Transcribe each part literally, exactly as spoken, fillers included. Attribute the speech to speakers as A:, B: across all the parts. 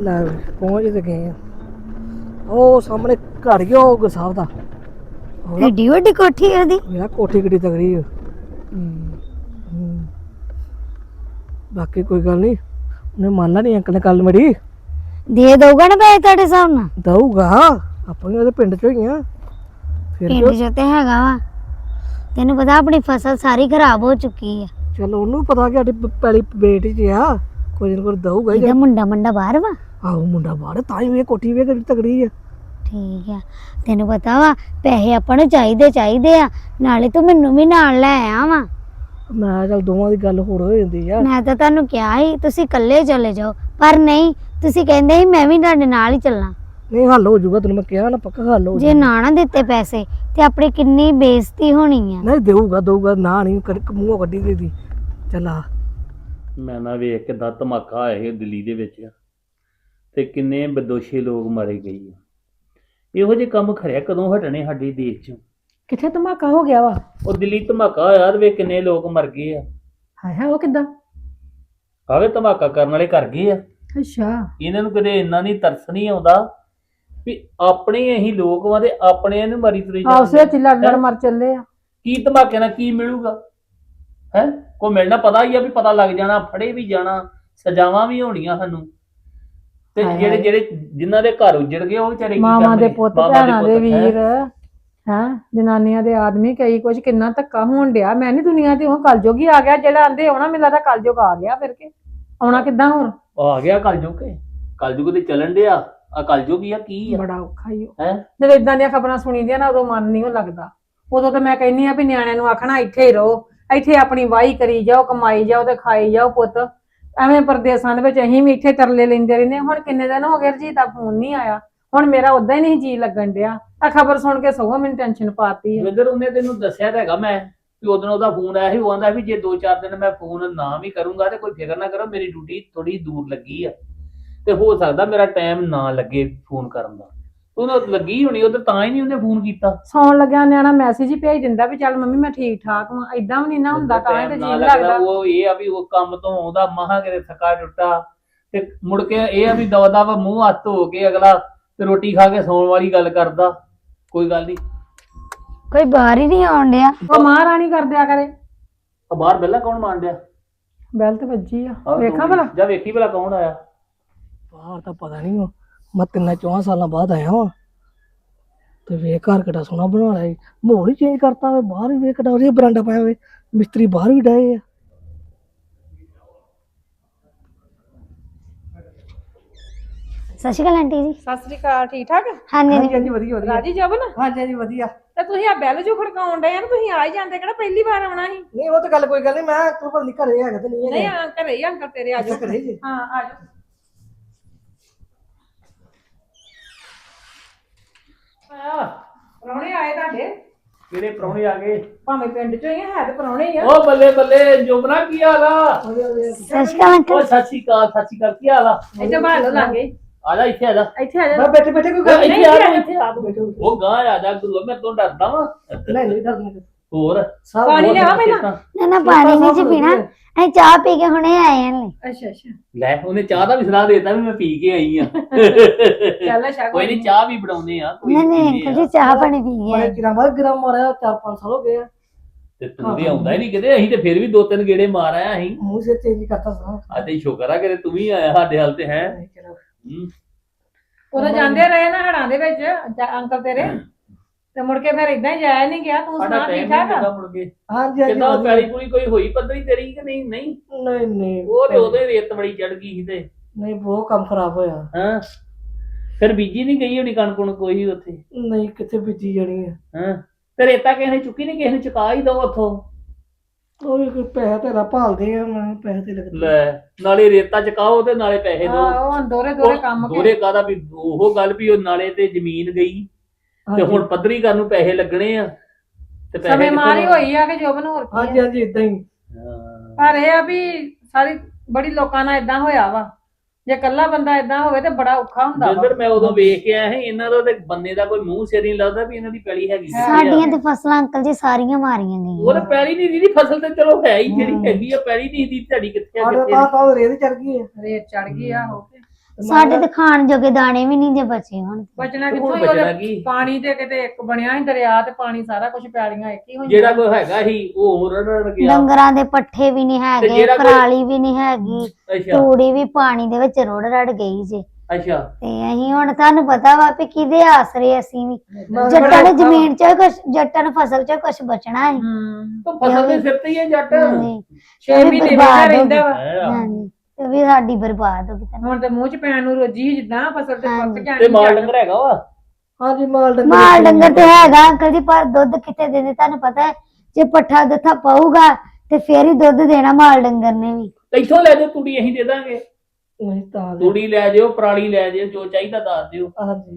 A: ਲੈ ਪਹੁੰਚ ਤੇ ਗਏ ਆ। ਉਹ ਸਾਹਮਣੇ ਘਰ ਗਿਆ ਉਹ ਗੁਸਾਬ ਦਾ।
B: ਏਡੀ ਵੱਡੀ ਕੋਠੀ ਹੈ ਉਹਦੀ।
A: ਮੇਰਾ ਕੋਠੀ ਕਿੱਡੀ ਤਗੜੀ ਆ। ਬਾਕੀ ਕੋਈ ਗੱਲ ਨਹੀਂ, ਉਹਨੇ ਮੰਨ ਲਾ ਨਹੀਂ ਅੰਕਲ ਨੇ ਗੱਲ ਮੇਰੀ।
B: ਦੇ ਦਊਗਾ ਨਾ ਪੈਸੇ ਤੁਹਾਡੇ ਹਿਸਾਬ ਨਾਲ?
A: ਦਊਗਾ, ਆਪਾਂ ਵੀ ਉਹਦੇ ਪਿੰਡ ਚੋਂ ਹੀ ਆ। ਫਿਰ
B: ਪਿੰਡ ਚ ਤੇ ਹੈਗਾ ਵਾ, ਤੈਨੂੰ ਪਤਾ ਆਪਣੀ ਫਸਲ ਸਾਰੀ ਖਰਾਬ ਹੋ ਚੁੱਕੀ ਆ।
A: ਚਲੋ ਉਹਨੂੰ ਪਤਾ ਕਿ ਸਾਡੀ ਪੈਲੀ ਬੇਟ ਚ ਆ, ਕੋਈ ਨਾ ਕੋਈ ਦਊਗਾ ਹੀ।
B: ਇਹਦਾ ਮੁੰਡਾ ਮੁੰਡਾ ਬਾਹਰ ਵਾ?
A: ਆਹੋ ਮੁੰਡਾ ਬਾਹਰ, ਤਾਂ ਹੀ ਇਹ ਕੋਠੀ ਵੇ ਕਿੱਡੀ ਤਗੜੀ ਆ।
B: ਠੀਕ ਆ, ਤੈਨੂੰ ਪਤਾ ਵਾ ਪੈਸੇ ਆਪਾਂ ਨੂੰ ਚਾਹੀਦੇ ਚਾਹੀਦੇ ਆ, ਨਾਲੇ ਤੂੰ ਮੈਨੂੰ ਵੀ ਨਾਲ ਲੈ ਆ ਵਾ।
A: ਮੈਂ ਚੱਲ ਦੋਵਾਂ ਦੀ ਗੱਲ ਹੋਰ ਹੋ ਜਾਂਦੀ ਆ।
B: ਮੈਂ ਤਾਂ ਤੁਹਾਨੂੰ ਕਿਹਾ ਸੀ ਤੁਸੀਂ ਇਕੱਲੇ ਚਲੇ ਜਾਓ, ਪਰ ਨਹੀਂ, ਤੁਸੀਂ ਕਹਿੰਦੇ ਸੀ ਮੈਂ ਵੀ ਤੁਹਾਡੇ ਨਾਲ ਹੀ ਚੱਲਾਂ।
A: ਨਹੀਂ ਹੱਲ ਹੋ ਜਾਊਗਾ, ਤੈਨੂੰ ਮੈਂ ਕਿਹਾ ਨਾ ਪੱਕਾ ਹੱਲ ਹੋ
B: ਜੇ ਨਾ ਨਾ ਦਿੱਤੇ ਪੈਸੇ ਤੇ ਆਪਣੀ ਕਿੰਨੀ ਬੇਇੱਜ਼ਤੀ ਹੋਣੀ ਆ।
A: ਨਹੀਂ ਦੇਊਗਾ ਦਊਗਾ, ਨਾ ਨਹੀਂ ਮੂੰਹੋਂ ਕੱਢੀ ਦੇ ਦੀ। ਚੱਲ ਆ
C: ਮੈਂ ਨਾ ਵੇਖ ਕਿੱਦਾਂ ਧਮਾਕਾ ਆਇਆ ਸੀ ਦਿੱਲੀ ਦੇ ਵਿੱਚ, ਤੇ ਕਿੰਨੇ ਬਦੋਸ਼ੇ ਲੋਕ ਮਾਰੇ ਗਏ ਆ। ਇਹੋ ਜਿਹੇ ਕੰਮ ਖਰਿਆ ਕਦੋਂ ਹਟਣੇ ਸਾਡੇ ਦੇਸ਼ 'ਚ?
D: ਕਿੱਥੇ ਧਮਾਕਾ ਹੋ ਗਿਆ ਵਾ?
C: ਉਹ ਦਿੱਲੀ ਧਮਾਕਾ ਹੋਇਆ ਤੇ ਵੇਖ ਕਿੰਨੇ ਲੋਕ ਮਰ ਗਏ ਆ।
D: ਹਾਏ ਹਾਏ, ਉਹ ਕਿੱਦਾਂ?
C: ਆਵੇ ਧਮਾਕਾ ਕਰਨ ਵਾਲੇ ਕਰ ਗਏ ਆ।
D: ਅੱਛਾ,
C: ਇਹਨਾਂ ਨੂੰ ਕਦੇ ਇੰਨਾ ਨਹੀਂ ਤਰਸ ਨਹੀਂ ਆਉਂਦਾ ਵੀ ਆਪਣੇ ਅਸੀਂ ਲੋਕ ਵਾਂ ਤੇ ਆਪਣੇ ਨੂੰ ਮਰੀ ਤੁਰੇ
D: ਆਪਸੇ ਵਿੱਚ ਲੜ ਲੜ ਮਰ ਚੱਲੇ ਆ।
C: ਕੀ ਧਮਾਕੇ ਨਾਲ ਕੀ ਮਿਲੂਗਾ? ਹੈ ਕੋਈ ਮਿਲਣਾ ਪਤਾ ਹੀ ਆ ਵੀ ਪਤਾ ਲੱਗ ਜਾਣਾ, ਫੜੇ ਵੀ ਜਾਣਾ, ਸਜ਼ਾਵਾਂ ਵੀ ਹੋਣੀਆਂ ਸਾਨੂੰ। ਤੇ ਜਿਹੜੇ ਜਿਹੜੇ ਜਿਨ੍ਹਾਂ ਦੇ ਘਰ ਉੱਜੜ ਗਏ ਉਹ ਵਿਚਾਰੇ ਕੀ ਕਰਨਗੇ?
D: ਮਾਵਾਂ ਦੇ ਪੁੱਤ, ਭੈਣਾਂ ਦੇ ਵੀਰ, ਹੈਂ ਜਨਾਨੀਆਂ ਦੇ ਆਦਮੀ, ਕਈ ਕੁਝ ਕਿੰਨਾ ਧੱਕਾ ਹੋਣ ਡਿਆ। ਮੈਂ ਨੀ ਦੁਨੀਆ ਤੇ ਉਹ ਕਲਯੁਗ ਹੀ ਆ ਗਿਆ ਜਿਹੜਾ ਆਂਦੇ ਆਉਣਾ, ਮੈਨੂੰ ਲੱਗਦਾ ਕਲਯੁਗ ਆ ਗਿਆ। ਫਿਰ ਕੇ ਆਉਣਾ ਕਿੱਦਾਂ ਹੋਰ?
C: ਆ ਗਿਆ ਕਲਯੁਗ। ਕੇ ਕਲਯੁਗ ਤੇ ਚੱਲਣ ਡਿਆ ਆ, ਕਲਯੁਗ ਹੀ ਆ ਕੀ ਆ?
D: ਬੜਾ ਔਖਾ ਹੀ
C: ਹੈ
D: ਜਦੋਂ ਇਦਾਂ ਦੀਆਂ ਖਬਰਾਂ ਸੁਣੀਦੀਆਂ ਨਾ, ਉਦੋਂ ਮਨ ਨਹੀਂ ਉਹ ਲੱਗਦਾ। ਉਦੋਂ ਤਾਂ ਮੈਂ ਕਹਿੰਨੀ ਆ ਵੀ ਨਿਆਣਿਆਂ ਨੂੰ ਆਖਣਾ ਇੱਥੇ ਹੀ ਰਹੋ, ਇੱਥੇ ਆਪਣੀ ਵਾਹੀ ਕਰੀ ਜਾਓ, ਕਮਾਈ ਜਾਓ ਤੇ ਖਾਈ ਜਾਓ ਪੁੱਤ। ਐਵੇਂ ਪਰਦੇਸਾਂ ਦੇ ਵਿੱਚ ਅਸੀਂ ਵੀ ਇੱਥੇ ਤਰਲੇ ਲੈਂਦੇ ਰਹਿੰਦੇ। ਹੁਣ ਕਿੰਨੇ ਦਿਨ ਹੋ ਗਏ ਰਜੀਤ ਦਾ ਫੋਨ ਨਹੀਂ ਆਇਆ, ਹੁਣ ਮੇਰਾ ਉਦਾਂ ਹੀ ਨਹੀਂ ਜੀ ਲੱਗਣ ਡਿਆ। ਆ ਖਬਰ ਸੁਣ ਕੇ ਸਗੋਂ ਮੈਨੂੰ ਟੈਨਸ਼ਨ ਪਾਤੀ ਹੈ।
C: ਜਿੱਧਰ ਉਹਨੇ ਤੈਨੂੰ ਦੱਸਿਆ ਤਾਂ ਹੈਗਾ ਮੈਂ ਵੀ ਉਦੋਂ ਉਹਦਾ ਫੋਨ ਆਇਆ ਸੀ। ਉਹ ਆਂਦਾ ਵੀ ਜੇ ਦੋ ਚਾਰ ਦਿਨ ਮੈਂ ਫੋਨ ਨਾ ਵੀ ਕਰੂੰਗਾ ਤੇ ਕੋਈ ਫਿਕਰ ਨਾ ਕਰੋ, ਮੇਰੀ ਡਿਊਟੀ ਥੋੜੀ ਦੂਰ ਲੱਗੀ ਆ ਤੇ ਹੋ ਸਕਦਾ ਮੇਰਾ ਟਾਈਮ ਨਾ ਲੱਗੇ ਫੋਨ ਕਰਨ ਦਾ। ਉਹਨੂੰ ਲੱਗੀ ਹੋਣੀ ਉਧਰ, ਤਾਂ ਹੀ ਨਹੀਂ ਉਹਨੇ ਫੋਨ ਕੀਤਾ।
D: ਸੌਣ ਲੱਗਿਆ ਨਿਆਣਾ ਮੈਸੇਜ ਹੀ ਭੇਜ ਦਿੰਦਾ ਵੀ ਚੱਲ ਮੰਮੀ ਮੈਂ ਠੀਕ ਠਾਕ ਹਾਂ। ਏਦਾਂ ਵੀ ਨਹੀਂ ਨਾ ਹੁੰਦਾ, ਤਾਂ ਹੀ ਤੇ ਜੀ ਲੱਗਦਾ।
C: ਉਹ ਇਹ ਆ ਵੀ ਉਹ ਕੰਮ ਤੋਂ ਆਉਂਦਾ ਮਹਾ ਕਿਤੇ ਥੱਕਾ ਟੁੱਟਾ ਤੇ ਮੁੜ ਕੇ ਇਹ ਆ ਵੀ ਦਵਾ ਦਵਾ ਮੂੰਹ ਹੱਥ ਧੋ ਕੇ ਅਗਲਾ ਤੇ ਰੋਟੀ ਖਾ ਕੇ ਸੌਣ ਵਾਲੀ ਗੱਲ ਕਰਦਾ। ਕੋਈ ਗੱਲ ਨਹੀਂ,
B: ਕੋਈ ਬਾਹਰ ਹੀ ਨਹੀਂ ਆਉਣ ਡਿਆ।
D: ਉਹ ਮਹਾਰਾਣੀ ਕਰ ਦਿਆ ਕਰੇ।
C: ਆ ਬਾਹਰ ਬੈਲਾ ਕੌਣ ਮਾਰਨ ਡਿਆ?
D: ਬੈਲ ਤੇ ਵੱਜੀ ਆ,
C: ਆਹ
D: ਵੇਖਾਂ
C: ਤੂੰ
D: ਭਲਾ।
C: ਜਾ ਵੇਖੀ ਭਲਾ ਕੌਣ ਆਇਆ।
A: ਬਾਹਰ ਤਾਂ ਪਤਾ ਨਹੀਂ, ਮੈਂ ਤਿੰਨਾਂ ਚੌਹਾਂ ਸਾਲਾਂ ਬਾਅਦ ਆਇਆ ਵਾਂ ਤੇ ਵੇਖ ਘਰ ਕਿੱਡਾ ਸੋਹਣਾ ਬਣਾ ਲਿਆ ਜੀ। ਮਾਹੌਲ ਹੀ ਚੇਂਜ ਕਰਤਾ ਵੇ, ਬਾਹਰ ਵੀ ਵੇਖ ਕਿੱਡਾ ਵਧੀਆ ਬਰਾਂਡਾ ਪਾਇਆ ਹੋਵੇ, ਮਿਸਤਰੀ ਬਾਹਰ ਵੀ ਡਾਏ ਆ।
B: ਸਤਿ ਸ਼੍ਰੀ ਅਕਾਲ ਆਂਟੀ ਜੀ।
D: ਸਤਿ ਸ੍ਰੀ ਅਕਾਲ, ਠੀਕ ਠਾਕ?
B: ਹਾਂਜੀ
A: ਹਾਂਜੀ ਹਾਂਜੀ ਵਧੀਆ ਵਧੀਆ।
D: ਰਾਜੀ ਜਬਨ?
A: ਹਾਂਜੀ ਹਾਂਜੀ ਵਧੀਆ।
D: ਤੇ ਤੁਸੀਂ ਆ ਬੈਲ ਜੋ ਖੜਕਾਉਣ ਡਏ ਆ ਨਾ, ਤੁਸੀਂ ਆ ਹੀ ਜਾਂਦੇ, ਕਿਹੜਾ ਪਹਿਲੀ ਵਾਰ ਆਉਣਾ ਸੀ?
A: ਨਹੀਂ ਉਹ ਤਾਂ ਗੱਲ ਕੋਈ ਗੱਲ ਨਹੀਂ, ਮੈਂ ਤੂੰ ਪਤਾ ਨਹੀਂ ਘਰੇ ਹੈਗਾ ਤੇ ਨਹੀਂ
D: ਨਹੀਂ
A: ਹੈਗਾ।
D: ਆ ਘਰੇ ਹੀ ਅੰਕਲ ਤੇਰੇ ਆ ਜਾਓ।
A: ਘਰੇ ਜੀ?
D: ਹਾਂ ਆ ਜਾਓ। ਆ ਪ੍ਰਾਹੁਣੇ ਆਏ ਤੁਹਾਡੇ?
C: ਕਿਹੜੇ ਪ੍ਰਾਹੁਣੇ ਆ ਗਏ?
D: ਭਾਵੇਂ ਪਿੰਡ ਚੋਂ ਹੀ ਆ, ਹੈ ਤੇ ਪ੍ਰਾਹੁਣੇ ਹੀ ਆ।
C: ਉਹ ਬੱਲੇ ਬੱਲੇ ਜੋਬਨਾ ਕੀ ਹਾਲ ਆ?
B: ਸਤਿ ਸ਼੍ਰੀ ਅਕਾਲ
C: ਉਹ
B: ਅੰਕਲ।
C: ਸਤਿ ਸ਼੍ਰੀ ਅਕਾਲ, ਸਤਿ ਸ਼੍ਰੀ ਅਕਾਲ, ਕੀ ਹਾਲ ਆ?
D: ਇੱਥੇ ਬਾਹਰ ਲੋ ਲਾਂਗੇ,
C: ਆ ਜਾ ਇੱਥੇ ਆ ਜਾ।
D: ਇੱਥੇ ਆ ਜਾ।
A: ਮੈਂ ਬੈਠੇ ਬੈਠੇ ਕੋਈ
C: ਉਹ
A: ਗੱਲ ਨਹੀਂ।
C: ਇੱਥੇ ਆ ਜਾ, ਇੱਥੇ ਆ ਤੂੰ। ਉਹ ਗਾਂ ਆ ਜਾ ਗੁਰੂ, ਮੈਂ ਤੋਂ ਡਰਦਾ ਵਾਂ।
A: ਨਹੀਂ ਨਹੀਂ ਡਰਨਾ।
C: ਹੋਰ
A: ਸਭ
D: ਪਾਣੀ
C: ਹੋਰ
D: ਲਿਆ ਪਹਿਲਾਂ।
C: ਸਿਹਤਾਂ?
B: ਨਾ ਨਾ ਪਾਣੀ ਨਹੀਂ ਜੀ ਪੀਣਾ, ਅਸੀਂ ਚਾਹ ਪੀ ਕੇ ਹੁਣੇ ਆਏ ਆਂ।
D: ਅੱਛਾ ਅੱਛਾ,
C: ਲੈ ਉਹਨੇ ਚਾਹ ਦਾ ਵੀ ਸਲਾਹ ਦੇਤਾ ਵੀ ਮੈਂ ਪੀ ਕੇ ਆਈ ਆ।
D: ਚੱਲ ਅੱਛਾ
C: ਕੋਈ ਨਹੀਂ, ਚਾਹ ਵੀ ਬਣਾਉਨੇ ਆ, ਕੋਈ
B: ਨਹੀਂ ਨਹੀਂ
C: ਪੀਂਦੇ
B: ਅੰਕਲ
C: ਆ।
B: ਜੀ, ਚਾਹ ਪਾਣੀ ਪੀ
A: ਬੜੇ
B: ਗਏ।
A: ਚਿਰਾਂ ਬਾਅਦ ਗ੍ਰਾਮ ਮਾਰਿਆ, ਚਾਰ ਪੰਜ ਸਾਲ ਹੋ ਗਏ ਆ।
C: ਤੇ ਤੂੰ ਵੀ ਆਉਂਦਾ ਹੀ ਨਹੀਂ ਕਿਤੇ, ਅਸੀਂ ਤੇ ਫਿਰ ਵੀ ਦੋ ਤਿੰਨ ਗੇੜੇ ਮਾਰ ਆਇਆ ਅਸੀਂ।
A: ਮੂੰਹ ਸਿਰ ਚੇਂਜ ਕਰਤਾ ਸਾਂ।
C: ਆ ਤੇ ਸ਼ੁਕਰ ਆ ਕਿ ਤੂੰ ਵੀ ਆਇਆ ਸਾਡੇ ਹਾਲ ਤੇ ਹੈ।
D: ਉਦੋਂ ਜਾਂਦੇ ਰਹੇ ਨਾ ਹੜਾਂ ਦੇ ਵਿੱਚ ਜਾ- ਅੰਕਲ ਤੇਰੇ, ਤੇ ਮੁੜ ਕੇ ਫਿਰ ਇਦਾਂ ਹੀ ਜਾਇਆ ਨਹੀਂ ਗਿਆ। ਤੂੰ
C: ਸਾਡਾ
D: ਸੁਣਾ
C: ਟਾਈਮ
D: ਠੀਕ
C: ਨਹੀਂ
D: ਠਾਕ ਆ?
C: ਲੱਗਾ ਮੁੜ ਕੇ।
A: ਹਾਂਜੀ ਹਾਂਜੀ
C: ਕਿਦਾਂ
A: ਵਧੀਆ।
C: ਪੈਲੀ ਪੂਰੀ ਕੋਈ ਹੋਈ ਪੱਧਰੀ ਤੇਰੀ ਕਿ ਨਹੀਂ? ਨਹੀਂ
A: ਨਹੀਂ ਨਹੀਂ
C: ਉਹ ਤੇ ਉਹਦੇ ਰੇਤ ਬੜੀ ਚੜ ਗਈ ਸੀ ਤੇ
A: ਨਹੀਂ ਬਹੁਤ ਕੰਮ ਖਰਾਬ ਹੋਇਆ।
C: ਹਾਂ ਫਿਰ ਬੀਜੀ ਨਹੀਂ ਗਈ ਹੋਣੀ ਕਣਕ ਕੁਣਕ ਕੋਈ ਉੱਥੇ?
A: ਨਹੀਂ ਕਿੱਥੇ ਬੀਜੀ ਜਾਣੀ ਹੈ।
C: ਹਾਂ ਤੇ ਰੇਤਾ ਕਿਸੇ ਨੇ ਚੁੱਕੀ ਨਹੀਂ, ਕਿਸੇ ਨੂੰ ਚੁਕਾ ਹੀ ਦੋ ਉੱਥੋਂ।
A: ਉਹ ਵੀ ਕੋਈ ਪੈਸਾ ਤੇਰਾ ਭਾਲਦੇ ਆ, ਮੈਂ ਪੈਸੇ ਤੇ ਲੱਗਦੇ।
C: ਲੈ ਨਾਲੇ ਰੇਤਾ ਚੁਕਾਓ ਤੇ ਨਾਲੇ ਪੈਸੇ ਦੋ।
D: ਹਾਂ ਉਹ ਦੋਰੇ ਦੋਰੇ ਕੰਮ ਕੇ
C: ਦੋਰੇ ਕਾਦਾ ਵੀ ਉਹ ਗੱਲ ਵੀ ਉਹ ਨਾਲੇ ਤੇ ਜ਼ਮੀਨ ਗਈ ਤੇ ਹੁਣ ਪੱਧਰੀ ਕਰਨ ਨੂੰ ਪੈਸੇ ਲੱਗਣੇ ਆ ਤੇ ਪੈਸੇ
D: ਸਮੇਂ ਮਾਰੀ
C: ਕਿੱਥੋਂ?
D: ਹੋਈ ਆ ਕਿ ਜੋਬਨ ਹੋਰ ਕੀ
A: ਹਾਂਜੀ
D: ਆ।
A: ਹਾਂਜੀ ਇਦਾਂ ਹੀ।
C: ਹਾਂ।
D: ਪਰ ਇਹ ਆ ਵੀ ਸਾਰੀ ਬੜੀ ਲੋਕਾਂ ਨਾਲ ਇਦਾਂ ਹੋਇਆ ਵਾ। ਜੇ ਇਕੱਲਾ ਬੰਦਾ ਇਦਾਂ ਹੋਵੇ ਤੇ ਬੜਾ ਔਖਾ ਹੁੰਦਾ ਵਾ।
C: ਜਿੰਦਰ ਮੈਂ ਉਦੋਂ ਵੇਖ ਕੇ ਆਇਆ ਸੀ, ਇਹਨਾਂ ਦਾ ਤੇ ਬੰਦੇ ਦਾ ਕੋਈ ਮੂੰਹ ਸਿਰ ਨਹੀਂ ਲੱਗਦਾ ਵੀ ਇਹਨਾਂ ਦੀ ਪੈਲੀ ਹੈਗੀ ਕਿੱਥੇ ਆ।
B: ਸਾਡੀਆਂ ਤੇ ਫਸਲਾਂ ਅੰਕਲ ਜੀ ਸਾਰੀਆਂ ਮਾਰੀਆਂ
C: ਉਹ
B: ਗਈਆਂ।
C: ਤਾਂ ਪੈਲੀ ਨਹੀਂ ਦੀ ਫਸਲ ਤੇ ਚਲੋ ਹੈ ਹੀ ਜਿਹੜੀ
A: ਹਮ।
C: ਹੈਗੀ ਆ, ਪੈਲੀ ਨਹੀਂ ਦੀ ਤੁਹਾਡੀ ਕਿੱਥੇ ਆ
A: ਸਾਡੇ
C: ਕਿੱਥੇ
A: ਪਾਸ
C: ਨਹੀਂ।
A: ਤਾਂ ਰੇਤ ਚੜ ਗਈ ਹੈ।
D: ਰੇਤ ਚੜ ਗਈ ਆ ਹੋ ਕੇ।
B: ਸਾਡੇ ਤੇ ਖਾਣ ਜੋਗੇ ਦਾਣੇ ਵੀ ਨਹੀਂ ਜੇ ਬਚੇ ਹੁਣ
D: ਬਚਣਾ
C: ਤੇ
D: ਕਿੱਥੋਂ
C: ਹੁਣ
D: ਹੀ
C: ਬਚਣਾ
D: ਉਹਦੇ
C: ਕੀ?
D: ਪਾਣੀ ਤੇ ਕਿਤੇ ਇੱਕ ਬਣਿਆ ਸੀ ਦਰਿਆ ਤੇ ਪਾਣੀ ਸਾਰਾ ਕੁਝ ਪਿਆਲੀਆਂ ਇੱਕ ਹੀ ਹੋਈਆਂ
C: ਜਿਹੜਾ ਕੋਈ ਹੈਗਾ ਸੀ ਉਹ ਰੜ ਰੜ ਗਿਆ।
B: ਡੰਗਰਾਂ ਦੇ ਪੱਠੇ ਵੀ ਨਹੀਂ ਹੈਗੇ
C: ਜਿਹੜਾ ਕੋਈ-
B: ਪਰਾਲੀ ਵੀ ਨਹੀਂ ਹੈਗੀ
C: ਅੱਛਾ
B: ਤੂੜੀ ਵੀ ਪਾਣੀ ਦੇ ਵਿੱਚ ਰੁੜ ਰੜ ਗਈ ਜੇ
C: ਅੱਛਾ
B: ਤੇ ਅਸੀਂ ਹੁਣ ਤੁਹਾਨੂੰ ਪਤਾ ਵਾ ਵੀ ਕਿਹਦੇ ਆਸਰੇ ਅਸੀਂ ਵੀ
D: ਬੜਾ
B: ਜੱਟਾਂ ਨੇ
D: ਔਖਾ
B: ਜ਼ਮੀਨ ਚ ਕੁਛ ਜੱਟਾਂ ਨੂੰ ਫਸਲ ਚ ਕੁਛ ਬਚਣਾ ਹੈ
D: ਹੂੰ
C: ਤੂੰ ਫਸਲ ਦੇ ਸਿਰ ਤੇ ਹੀ ਹੈ ਜੱਟ
B: ਹਾਂਜੀ
D: ਛੇ
B: ਇਹ ਵੀ
D: ਮਹੀਨੇ
B: ਬਰਬਾਦ
D: ਵੇਖਦਾ
B: ਹੋ
D: ਰਹਿੰਦਾ ਵਾ
C: ਹੈ।
B: ਹਾਂਜੀ ਤੇ ਵੀ ਸਾਡੀ ਬਰਬਾਦ ਹੋ ਗਈ ਤੁਹਾਨੂੰ
D: ਹੁਣ ਤੇ ਮੂੰਹ ਚ ਪੈਣ ਨੂੰ ਰੋਜੀ ਸੀ ਜਿੱਦਾਂ ਫਸਲ ਤੇ
B: ਹਾਂਜੀ।
D: ਪੱਕ ਜਾਣੀ
C: ਤੇ ਮਾਲ ਡੰਗਰ ਹੈਗਾ ਵਾ
A: ਹਾਂਜੀ ਮਾਲ ਡੰਗਰ
B: ਮਾਲ ਡੰਗਰ ਤੇ ਹੈਗਾ ਅੰਕਲ ਜੀ ਪਰ ਦੁੱਧ ਕਿੱਥੇ ਦਿੰਦੇ ਤੁਹਾਨੂੰ ਪਤਾ ਹੈ ਜੇ ਪੱਠਾ ਦੱਥਾ ਪਾਊਗਾ ਤੇ ਫੇਰ ਹੀ ਦੁੱਧ ਦੇਣਾ ਮਾਲ ਡੰਗਰ ਨੇ ਵੀ
C: ਤੇ ਇੱਥੋਂ ਲੈ ਜਾਓ ਤੂੜੀ ਅਸੀਂ ਦੇ ਦਾਂਗੇ
A: ਨਹੀਂ ਤਾਂ ਦੇ-
C: ਤੂੜੀ ਲੈ ਜਿਓ ਪਰਾਲੀ ਲੈ ਜਿਓ ਜੋ ਚਾਹੀਦਾ ਦੱਸ ਦਿਓ
A: ਹਾਂਜੀ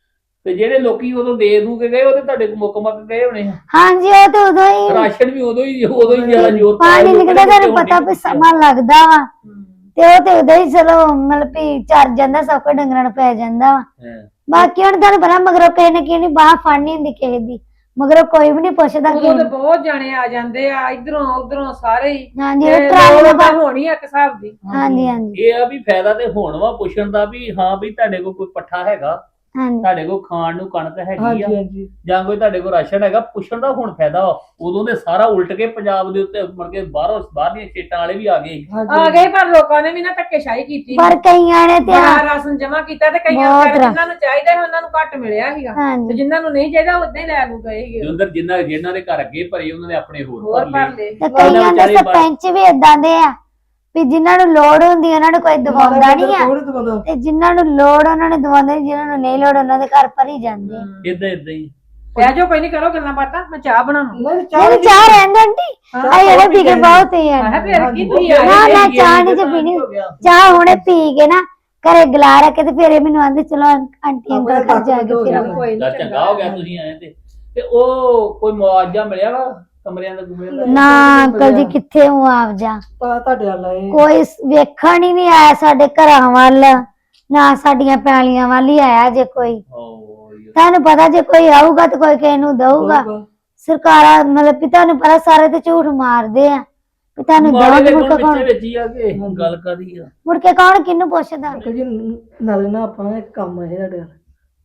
C: ਤੇ ਜਿਹੜੇ ਲੋਕੀ ਉਦੋਂ ਦੇ ਦੂ ਕੇ ਗਏ ਉਹ ਤੇ ਤੁਹਾਡੇ ਕੋਲ ਮੁੱਕ ਮੱਕ ਗਏ ਹੋਣੇ ਆ।
B: ਹਾਂਜੀ ਉਹ ਤੇ ਉਦੋਂ ਹੀ
C: ਰਾਸ਼ਨ ਵੀ ਉਦੋਂ ਹੀ ਉਦੋਂ ਹੀ ਜ਼ਿਆਦਾ ਜ਼ੋਰ
B: ਪਾਣੀ ਨਿਕਲਦਾ ਤੁਹਾਨੂੰ ਪਤਾ ਵੀ ਸਮਾਂ ਲੱਗਦਾ ਵਾ ਤੇ ਉਹ ਤੇ ਉਦੋਂ ਹੀ ਚਲੋ ਮਤਲਬ ਵੀ ਚਰ ਜਾਂਦਾ ਸਭ ਕੁਝ ਡੰਗਰਾਂ ਨੂੰ ਪੈ ਜਾਂਦਾ ਵਾ
C: ਹਾਂ।
B: ਬਾਕੀ ਹੁਣ ਤੁਹਾਨੂੰ ਪਤਾ ਮਗਰੋਂ ਕਿਸੇ ਨੇ ਕਿਸੇ ਨੇ ਬਾਹ ਫੜਨੀ ਹੁੰਦੀ ਕਿਸੇ ਦੀ ਮਗਰੋਂ ਕੋਈ ਵੀ ਨਹੀਂ ਪੁੱਛਦਾ
D: ਉਦੋਂ
B: ਕਿਸੇ
D: ਤੇ
B: ਨੂੰ।
D: ਬਹੁਤ ਜਾਣੇ ਆ ਜਾਂਦੇ ਆ ਇਧਰੋਂ ਉਧਰੋਂ ਸਾਰੇ ਹੀ
B: ਹਾਂਜੀ
D: ਤੇ
B: ਉਹ ਟਰਾਲੀ
D: ਲੋੜ
B: ਦਾ
D: ਤਾਂ ਹੋਣੀ ਆ ਇੱਕ ਹਿਸਾਬ ਦੀ
B: ਹਾਂਜੀ ਹਾਂਜੀ
C: ਇਹ ਆ ਵੀ ਫਾਇਦਾ ਤੇ ਹੋਣ ਵਾ ਪੁੱਛਣ ਦਾ ਵੀ ਹਾਂ ਵੀ ਤੁਹਾਡੇ ਕੋਲ ਕੋਈ ਪੱਠਾ ਹੈਗਾ
B: ਹਾਂਜੀ
C: ਤੁਹਾਡੇ ਕੋਲ ਖਾਣ ਨੂੰ ਕਣਕ ਹੈਗੀ
A: ਹਾਂਜੀ
C: ਆ
A: ਹਾਂਜੀ
C: ਜਾਂ ਕੋਈ ਤੁਹਾਡੇ ਕੋਲ ਰਾਸ਼ਨ ਹੈਗਾ ਪੁੱਛਣ ਦਾ ਹੁਣ ਫਾਇਦਾ ਵਾ ਉਦੋਂ ਦੇ ਸਾਰਾ ਉਲਟ ਕੇ ਪੰਜਾਬ ਦੇ ਉੱਤੇ ਮੁੜ ਕੇ ਬਾਹਰੋਂ ਬਾਹਰਲੀਆਂ ਸਟੇਟਾਂ ਵਾਲੇ ਵੀ ਆ ਗਏ
A: ਹਾਂਜੀ
D: ਆ ਗਏ ਪਰ ਲੋਕਾਂ ਨੇ ਵੀ ਨਾ ਧੱਕੇਸ਼ਾਹੀ ਕੀਤੀ
B: ਪਰ ਕਈਆਂ ਨੇ ਤੇ
D: ਬੜਾ ਰਾਸ਼ਨ ਜਮਾ ਕੀਤਾ ਤੇ ਕਈਆਂ
B: ਬਹੁਤ
D: ਵਿਚਾਰੇ
B: ਰਾ-
D: ਜਿਨ੍ਹਾਂ ਨੂੰ ਚਾਹੀਦਾ ਸੀ ਉਹਨਾਂ ਨੂੰ ਘੱਟ ਮਿਲਿਆ ਸੀਗਾ ਤੇ
B: ਹਾਂਜੀ
D: ਜਿਨ੍ਹਾਂ ਨੂੰ ਨਹੀਂ ਚਾਹੀਦਾ ਉਦਾਂ ਹੀ ਲੈ ਲੂ ਗਏ ਸੀਗੇ
C: ਜੁੰਦਰ ਜਿਨ੍ਹਾਂ ਜਿਨ੍ਹਾਂ ਦੇ ਘਰ ਅੱਗੇ ਭਰੇ ਉਹਨਾਂ ਨੇ ਆਪਣੇ ਹੋਰ
D: ਹੋਰ
C: ਭਰ
D: ਭਰ
C: ਲਏ
D: ਲਏ
B: ਤੇ ਕਈਆਂ ਦੇ
C: ਵਿਚਾਰੇ ਬਾਹਰ-
B: ਸਰਪੰਚ ਵੀ ਇਦਾਂ ਦੇ ਆ ਵੀ ਜਿਨ੍ਹਾਂ ਨੂੰ ਲੋੜ ਹੁੰਦੀ ਉਹਨਾਂ ਨੂੰ ਕੋਈ ਦਵਾਉਂਦਾ ਨਹੀਂ ਆ
A: ਕੋਈ ਨੀ ਦਵਾਉਂਦਾ।
B: ਤੇ ਜਿਨ੍ਹਾਂ ਨੂੰ ਲੋੜ ਉਹਨਾਂ ਨੇ ਦਵਾਉਂਦੇ ਨੀ, ਜਿਨ੍ਹਾਂ ਨੂੰ ਨਹੀਂ ਲੋੜ ਉਹਨਾਂ ਦੇ ਘਰ ਭਰੀ ਜਾਂਦੇ ਆ।
C: ਇਦਾਂ ਇਦਾਂ ਹੀ
D: ਬਹਿ ਜਾਓ ਕੋਈ ਨਹੀਂ ਕਰੋ ਗੱਲਾਂ ਬਾਤਾਂ ਮੈਂ ਚਾਹ ਬਣਾਉਣਾ
A: ਨਹੀਂ ਚਾਹ
B: ਨਹੀਂ ਚਾਹ ਰਹਿੰਦੇ ਆਂਟੀ ਆਏ ਜਿਹੜੇ ਪੀ ਕੇ ਬਹੁਤ ਹੀ ਆ
D: ਮੈਂ ਕਿਹਾ ਫਿਰ ਕੀ ਤੁਸੀਂ
B: ਨਾ,
D: ਆਏ
B: ਨਾ,
C: ਇਹ
B: ਚਾਹ
C: ਇਹ
B: ਨੀ ਜੇ
C: ਤਾਂ
B: ਪੀਣੀ।
C: ਹੋ ਗਿਆ।
B: ਚਾਹ ਹੁਣੇ ਪੀ ਕੇ ਨਾ ਘਰੇ ਗਲਾ ਰੱਖ ਕੇ ਤੇ ਫਿਰ ਇਹ ਮੈਨੂੰ ਆਂਦੇ ਚਲੋ ਆਂਟੀ ਅੰਕਲ ਘਰ ਜਾ ਕੇ ਫਿਰ
A: ਚੱਲ
D: ਕੋਈ
C: ਚੱਲ
D: ਨਹੀਂ
C: ਚੰਗਾ ਹੋ ਗਿਆ ਤੁਸੀਂ ਆਏ ਤੇ ਤੇ ਉਹ ਕੋਈ ਮੁਆਵਜ਼ਾ ਮਿਲਿਆ ਵਾ ਕਮਰਿਆਂ ਦਾ ਕਮਰਿਆਂ ਦਾ
B: ਨਾ ਅੰਕਲ ਜੀ ਕਿੱਥੇ ਹੂੰ ਆਪ ਜਾ
A: ਤਾਂ ਤੁਹਾਡੇ ਵਾਲਾ ਇਹ
B: ਕੋਈ ਸ- ਵੇਖਣ ਹੀ ਨਹੀਂ ਆਇਆ ਸਾਡੇ ਘਰਾਂ ਵੱਲ ਨਾ ਸਾਡੀਆਂ ਪੈਲੀਆਂ ਵੱਲ ਹੀ ਆਇਆ ਜੇ ਕੋਈ
C: ਓ ਯਾਰ।
B: ਤੁਹਾਨੂੰ ਪਤਾ ਜੇ ਕੋਈ ਆਊਗਾ ਤੇ ਕੋਈ ਕਿਸੇ ਨੂੰ ਦਊਗਾ ਸਰਕਾਰਾਂ ਮਤਲਬ ਵੀ ਤੁਹਾਨੂੰ ਪਤਾ ਸਾਰੇ ਤੇ ਝੂਠ ਮਾਰਦੇ ਆ ਵੀ ਤੁਹਾਨੂੰ
C: ਮਾਰੇ ਦੇ
B: ਦਊ ਮੁੜ
C: ਕੋਲ
B: ਕੇ ਕੌਣ
C: ਪਿੱਛੇ ਵਿੱਚ ਹੀ ਆ ਕੇ ਗੱਲ ਕਰੀ ਆ
B: ਮੁੜ ਕੇ ਕੌਣ ਕਿਹਨੂੰ ਪੁੱਛਦਾ
A: ਅੰਕਲ ਜੀ ਨਾਲੇ ਨਾ ਆਪਣਾ ਇੱਕ ਕੰਮ ਹੈ ਤੁਹਾਡੇ ਨਾਲ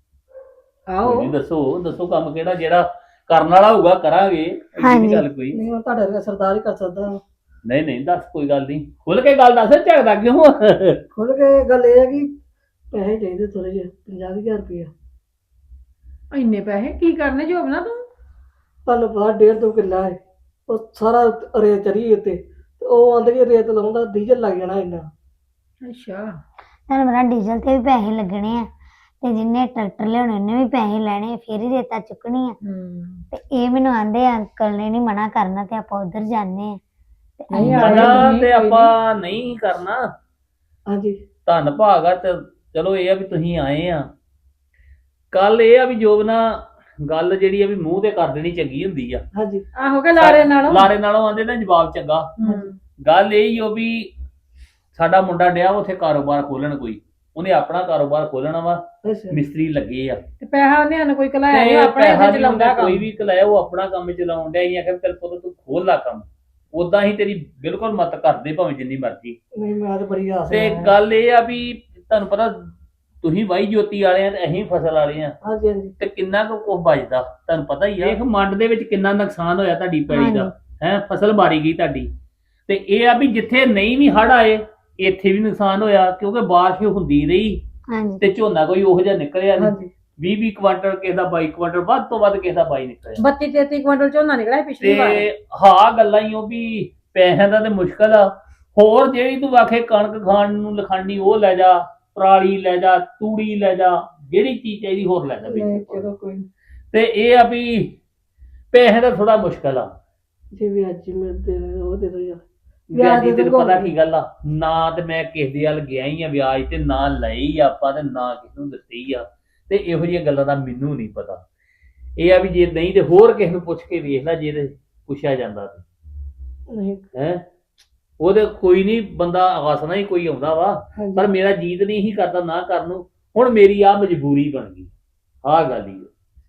D: ਆਓ
C: ਕੋਈ ਨੀ, ਦੱਸੋ ਦੱਸੋ ਕੰਮ ਕਿਹੜਾ ਜਿਹੜਾ ਕਰਨ ਵਾਲਾ ਹੋਊਗਾ ਕਰਾਂਗੇ ਐਡੀ
B: ਹਾਂਜੀ।
C: ਨੀ ਗੱਲ ਕੋਈ
A: ਨਹੀਂ ਉਹ ਤੁਹਾਡੇ ਵਰਗਾ ਸਰਦਾਰ ਹੀ ਕਰ ਸਕਦਾ
C: ਨਹੀਂ ਨਹੀਂ ਦੱਸ ਕੋਈ ਗੱਲ ਨਹੀਂ ਖੁੱਲ ਕੇ ਗੱਲ ਦੱਸ ਝਗਦਾ ਕਿਉਂ
A: ਖੁੱਲ ਕੇ ਗੱਲ ਇਹ ਹੈ ਕਿ ਪੈਸੇ ਚਾਹੀਦੇ ਥੋੜੇ ਜਿਹੇ ਪੰਜਾਹ ਹਜ਼ਾਰ ਰੁਪਇਆ
D: ਇੰਨੇ ਪੈਸੇ ਕੀ ਕਰਨੇ ਜੋਬਨਾ ਤੂੰ
A: ਤੁਹਾਨੂੰ ਪਤਾ ਡੇਢ ਦੋ ਕਿੱਲਾ ਹੈ ਉਹ ਸਾਰਾ ਰੇਤ ਚੜੀ ਉੱਤੇ ਤੇ ਉਹ ਆਂਦੇ ਕਿ ਰੇਤ ਲਾਉਂਦਾ ਡੀਜ਼ਲ ਲੱਗ ਜਾਣਾ ਇੰਨਾ
D: ਅੱਛਾ
B: ਤੁਹਾਨੂੰ ਪਤਾ ਡੀਜ਼ਲ ਤੇ ਵੀ ਪੈਸੇ ਲੱਗਣੇ ਆ ਤੇ ਜਿੰਨੇ ਟਰੈਕਟਰ ਲਿਆਉਣੇ ਉਹਨੇ ਵੀ ਪੈਸੇ ਲੈਣੇ ਫੇਰ ਹੀ ਰੇਤਾ ਚੁੱਕਣੀ ਆ
D: ਹੂੰ
B: ਤੇ ਇਹ ਮੈਨੂੰ ਆਂਦੇ ਅੰਕਲ ਨੇ ਨਹੀਂ ਮਨਾ ਕਰਨਾ ਤੇ ਆਪਾਂ ਉਧਰ ਜਾਂਦੇ ਆ ਤੇ
D: ਨਹੀਂ
B: ਅਸੀਂ
D: ਆ
C: ਮਨਾ
D: ਨਹੀਂ,
C: ਤੇ
D: ਕੋਈ
C: ਆਪਾਂ ਨਹੀਂ ਕਰਨਾ
A: ਹਾਂਜੀ
C: ਧੰਨ ਭਾਗਾ ਤੇ ਚਲੋ ਇਹ ਆ ਵੀ ਤੁਸੀਂ ਆਏ ਆ ਕੱਲ ਇਹ ਆ ਵੀ ਜੋਬ ਨਾ ਗੱਲ ਜਿਹੜੀ ਆ ਵੀ ਮੂੰਹ ਤੇ ਕਰ ਦੇਣੀ ਚੰਗੀ ਹੁੰਦੀ ਆ
A: ਹਾਂਜੀ
D: ਆਹੋ ਕੇ ਲਾਰੇ ਨਾਲੋਂ
C: ਲਾਰੇ ਨਾਲੋਂ ਆਂਦੇ ਨਾ ਜਵਾਬ ਚੰਗਾ
D: ਹੂੰ।
C: ਗੱਲ ਇਹ ਹੀ ਹੋ ਵੀ ਸਾਡਾ ਮੁੰਡਾ ਡਿਆ ਉੱਥੇ ਕਾਰੋਬਾਰ ਖੋਲਣ ਕੋਈ ਉਹਨੇ ਆਪਣਾ ਕਾਰੋਬਾਰ ਖੋਲਣਾ ਵਾ
A: ਅੱਛਾ
C: ਮਿਸਤਰੀ ਲੱਗੇ ਆ
D: ਤੇ ਪੈਸਾ ਉਹਨੇ ਸਾਨੂੰ ਕੋਈ ਕਲਾਇਆ
C: ਤੇ
D: ਨਹੀਂ ਆਪਣੇ
C: ਪੈਸਾ
D: ਇੱਥੇ
C: ਵੀ
D: ਚਲਾਉਂਦਾ
C: ਉਹਨੇ
D: ਕੰਮ
C: ਕੋਈ ਵੀ ਕਲਾਇਆ ਉਹ ਆਪਣਾ ਕੰਮ ਚਲਾਉਣ ਡਿਆ ਹੀ ਆਖਿਆ ਚੱਲ ਪੁੱਤ ਤੂੰ ਖੋਲ ਲਾ ਕੰਮ ਉਦਾਂ ਹੀ ਤੇਰੀ ਬਿਲਕੁਲ ਮਤ ਕਰਦੇ ਭਾਵੇਂ ਜਿੰਨੀ ਮਰਜ਼ੀ
A: ਨਹੀਂ ਮੈਂ ਤਾਂ ਬੜੀ ਆਸ
C: ਤੇ
A: ਨਾਲ-
C: ਗੱਲ ਇਹ ਆ ਵੀ ਤੁਹਾਨੂੰ ਪਤਾ ਤੁਸੀਂ ਵਾਈ ਜੋਤੀ ਵਾਲੇ ਆ ਤੇ ਅਸੀਂ ਫਸਲ ਵਾਲੇ ਆ
A: ਹਾਂਜੀ ਹਾਂਜੀ
C: ਤੇ ਕਿੰਨਾ ਕੁ ਕੁਝ ਬਚਦਾ ਤੁਹਾਨੂੰ ਪਤਾ ਹੀ ਆ ਇਹ ਮੰਡ ਦੇ ਵਿੱਚ ਕਿੰਨਾ ਨੁਕਸਾਨ ਹੋਇਆ ਤੁਹਾਡੀ ਪੈਲੀ ਦਾ ਹੈ ਫਸਲ ਮਾਰੀ ਗਈ ਤੁਹਾਡੀ ਤੇ ਇਹ ਆ ਵੀ ਜਿੱਥੇ ਨਹੀਂ ਵੀ ਹੜ ਆਏ ਇੱਥੇ ਵੀ ਨੁਕਸਾਨ ਹੋਇਆ ਕਿਉਂਕਿ ਬਾਰਿਸ਼ ਹੁੰਦੀ ਰਹੀ
B: ਹਾਂਜੀ
C: ਤੇ ਝੋਨਾ ਕੋਈ ਉਹੋ ਜਿਹਾ ਨਿਕਲਿਆ ਨਹੀਂ
A: ਹਾਂਜੀ
C: ਵੀਹ ਵੀਹ ਕੁਆਂਟਲ ਕਿਸੇ ਦਾ ਬਾਈ ਕੁਆਂਟਲ ਵੱਧ ਤੋਂ ਵੱਧ ਕਿਸੇ ਦਾ ਬਾਈ ਨਿਕਲਿਆ
D: ਬੱਤੀ ਤੇਤੀ ਕੁਇੰਟਲ ਝੋਨਾ ਨਿਕਲਿਆ ਪਿਛਲੀ ਵਾਰ
C: ਤੇ ਹਾਂ ਗੱਲਾਂ ਹੀ ਉਹ ਵੀ ਪੈਸਿਆਂ ਦਾ ਤੇ ਮੁਸ਼ਕਲ ਆ ਹੋਰ ਜਿਹੜੀ ਤੂੰ ਆਖੇ ਕਣਕ ਖਾਣ ਨੂੰ ਲਖਾਣੀ ਉਹ ਲੈ ਜਾ ਪਰਾਲੀ ਲੈ ਜਾ ਤੂੜੀ ਲੈ ਜਾ ਜਿਹੜੀ ਚੀਜ਼ ਚਾਹੀਦੀ ਹੋਰ ਲੈ ਜਾ
A: ਨਹੀਂ
C: ਵਿੱਚ
A: ਚਲੋ ਕੋਈ ਨੀ।
C: ਤੇ ਇਹ ਆ ਵੀ ਪੈਸੇ ਦਾ ਥੋੜਾ ਮੁਸ਼ਕਲ ਆ
A: ਜੇ ਵੀ ਅੱਜ ਹੀ ਮਿਲਦੇ ਨੇ ਉਹ ਦੇ ਦੋ ਯਾਰ
C: ਵਿਆਜ ਦੀ
A: ਦੇ
C: ਤੈਨੂੰ
A: ਦਿਓ।
C: ਪਤਾ ਕੀ ਗੱਲ ਆ ਨਾ ਤੇ ਮੈਂ ਕਿਸੇ ਦੇ ਵੱਲ ਗਿਆ ਹੀ ਆ ਵਿਆਜ ਤੇ ਨਾ ਲਈ ਆਪਾਂ ਤੇ ਨਾ ਕਿਸੇ ਨੂੰ ਦਿੱਤੀ ਆ ਤੇ ਇਹੋ ਜਿਹੀਆਂ ਗੱਲਾਂ ਦਾ ਮੈਨੂੰ ਨਹੀਂ ਪਤਾ ਇਹ ਆ ਵੀ ਜੇ ਨਹੀਂ ਤੇ ਹੋਰ ਕਿਸੇ ਨੂੰ ਪੁੱਛ ਕੇ ਵੇਖ ਲੈ ਜੇ ਤੇ ਪੁੱਛਿਆ ਜਾਂਦਾ ਤੇ
A: ਨਹੀਂ
C: ਹੈ ਉਹਦੇ ਕੋਈ ਨਹੀਂ ਬੰਦਾ ਆਸਣਾ ਹੀ ਕੋਈ ਆਉਂਦਾ ਵਾ
A: ਹਾਂਜੀ
C: ਪਰ ਮੇਰਾ ਜੀਤ ਨਹੀਂ ਹੀ ਕਰਦਾ ਨਾ ਕਰਨ ਨੂੰ ਹੁਣ ਮੇਰੀ ਆ ਮਜਬੂਰੀ ਬਣ ਗਈ ਆਹ ਗੱਲ ਹੀ ਆ।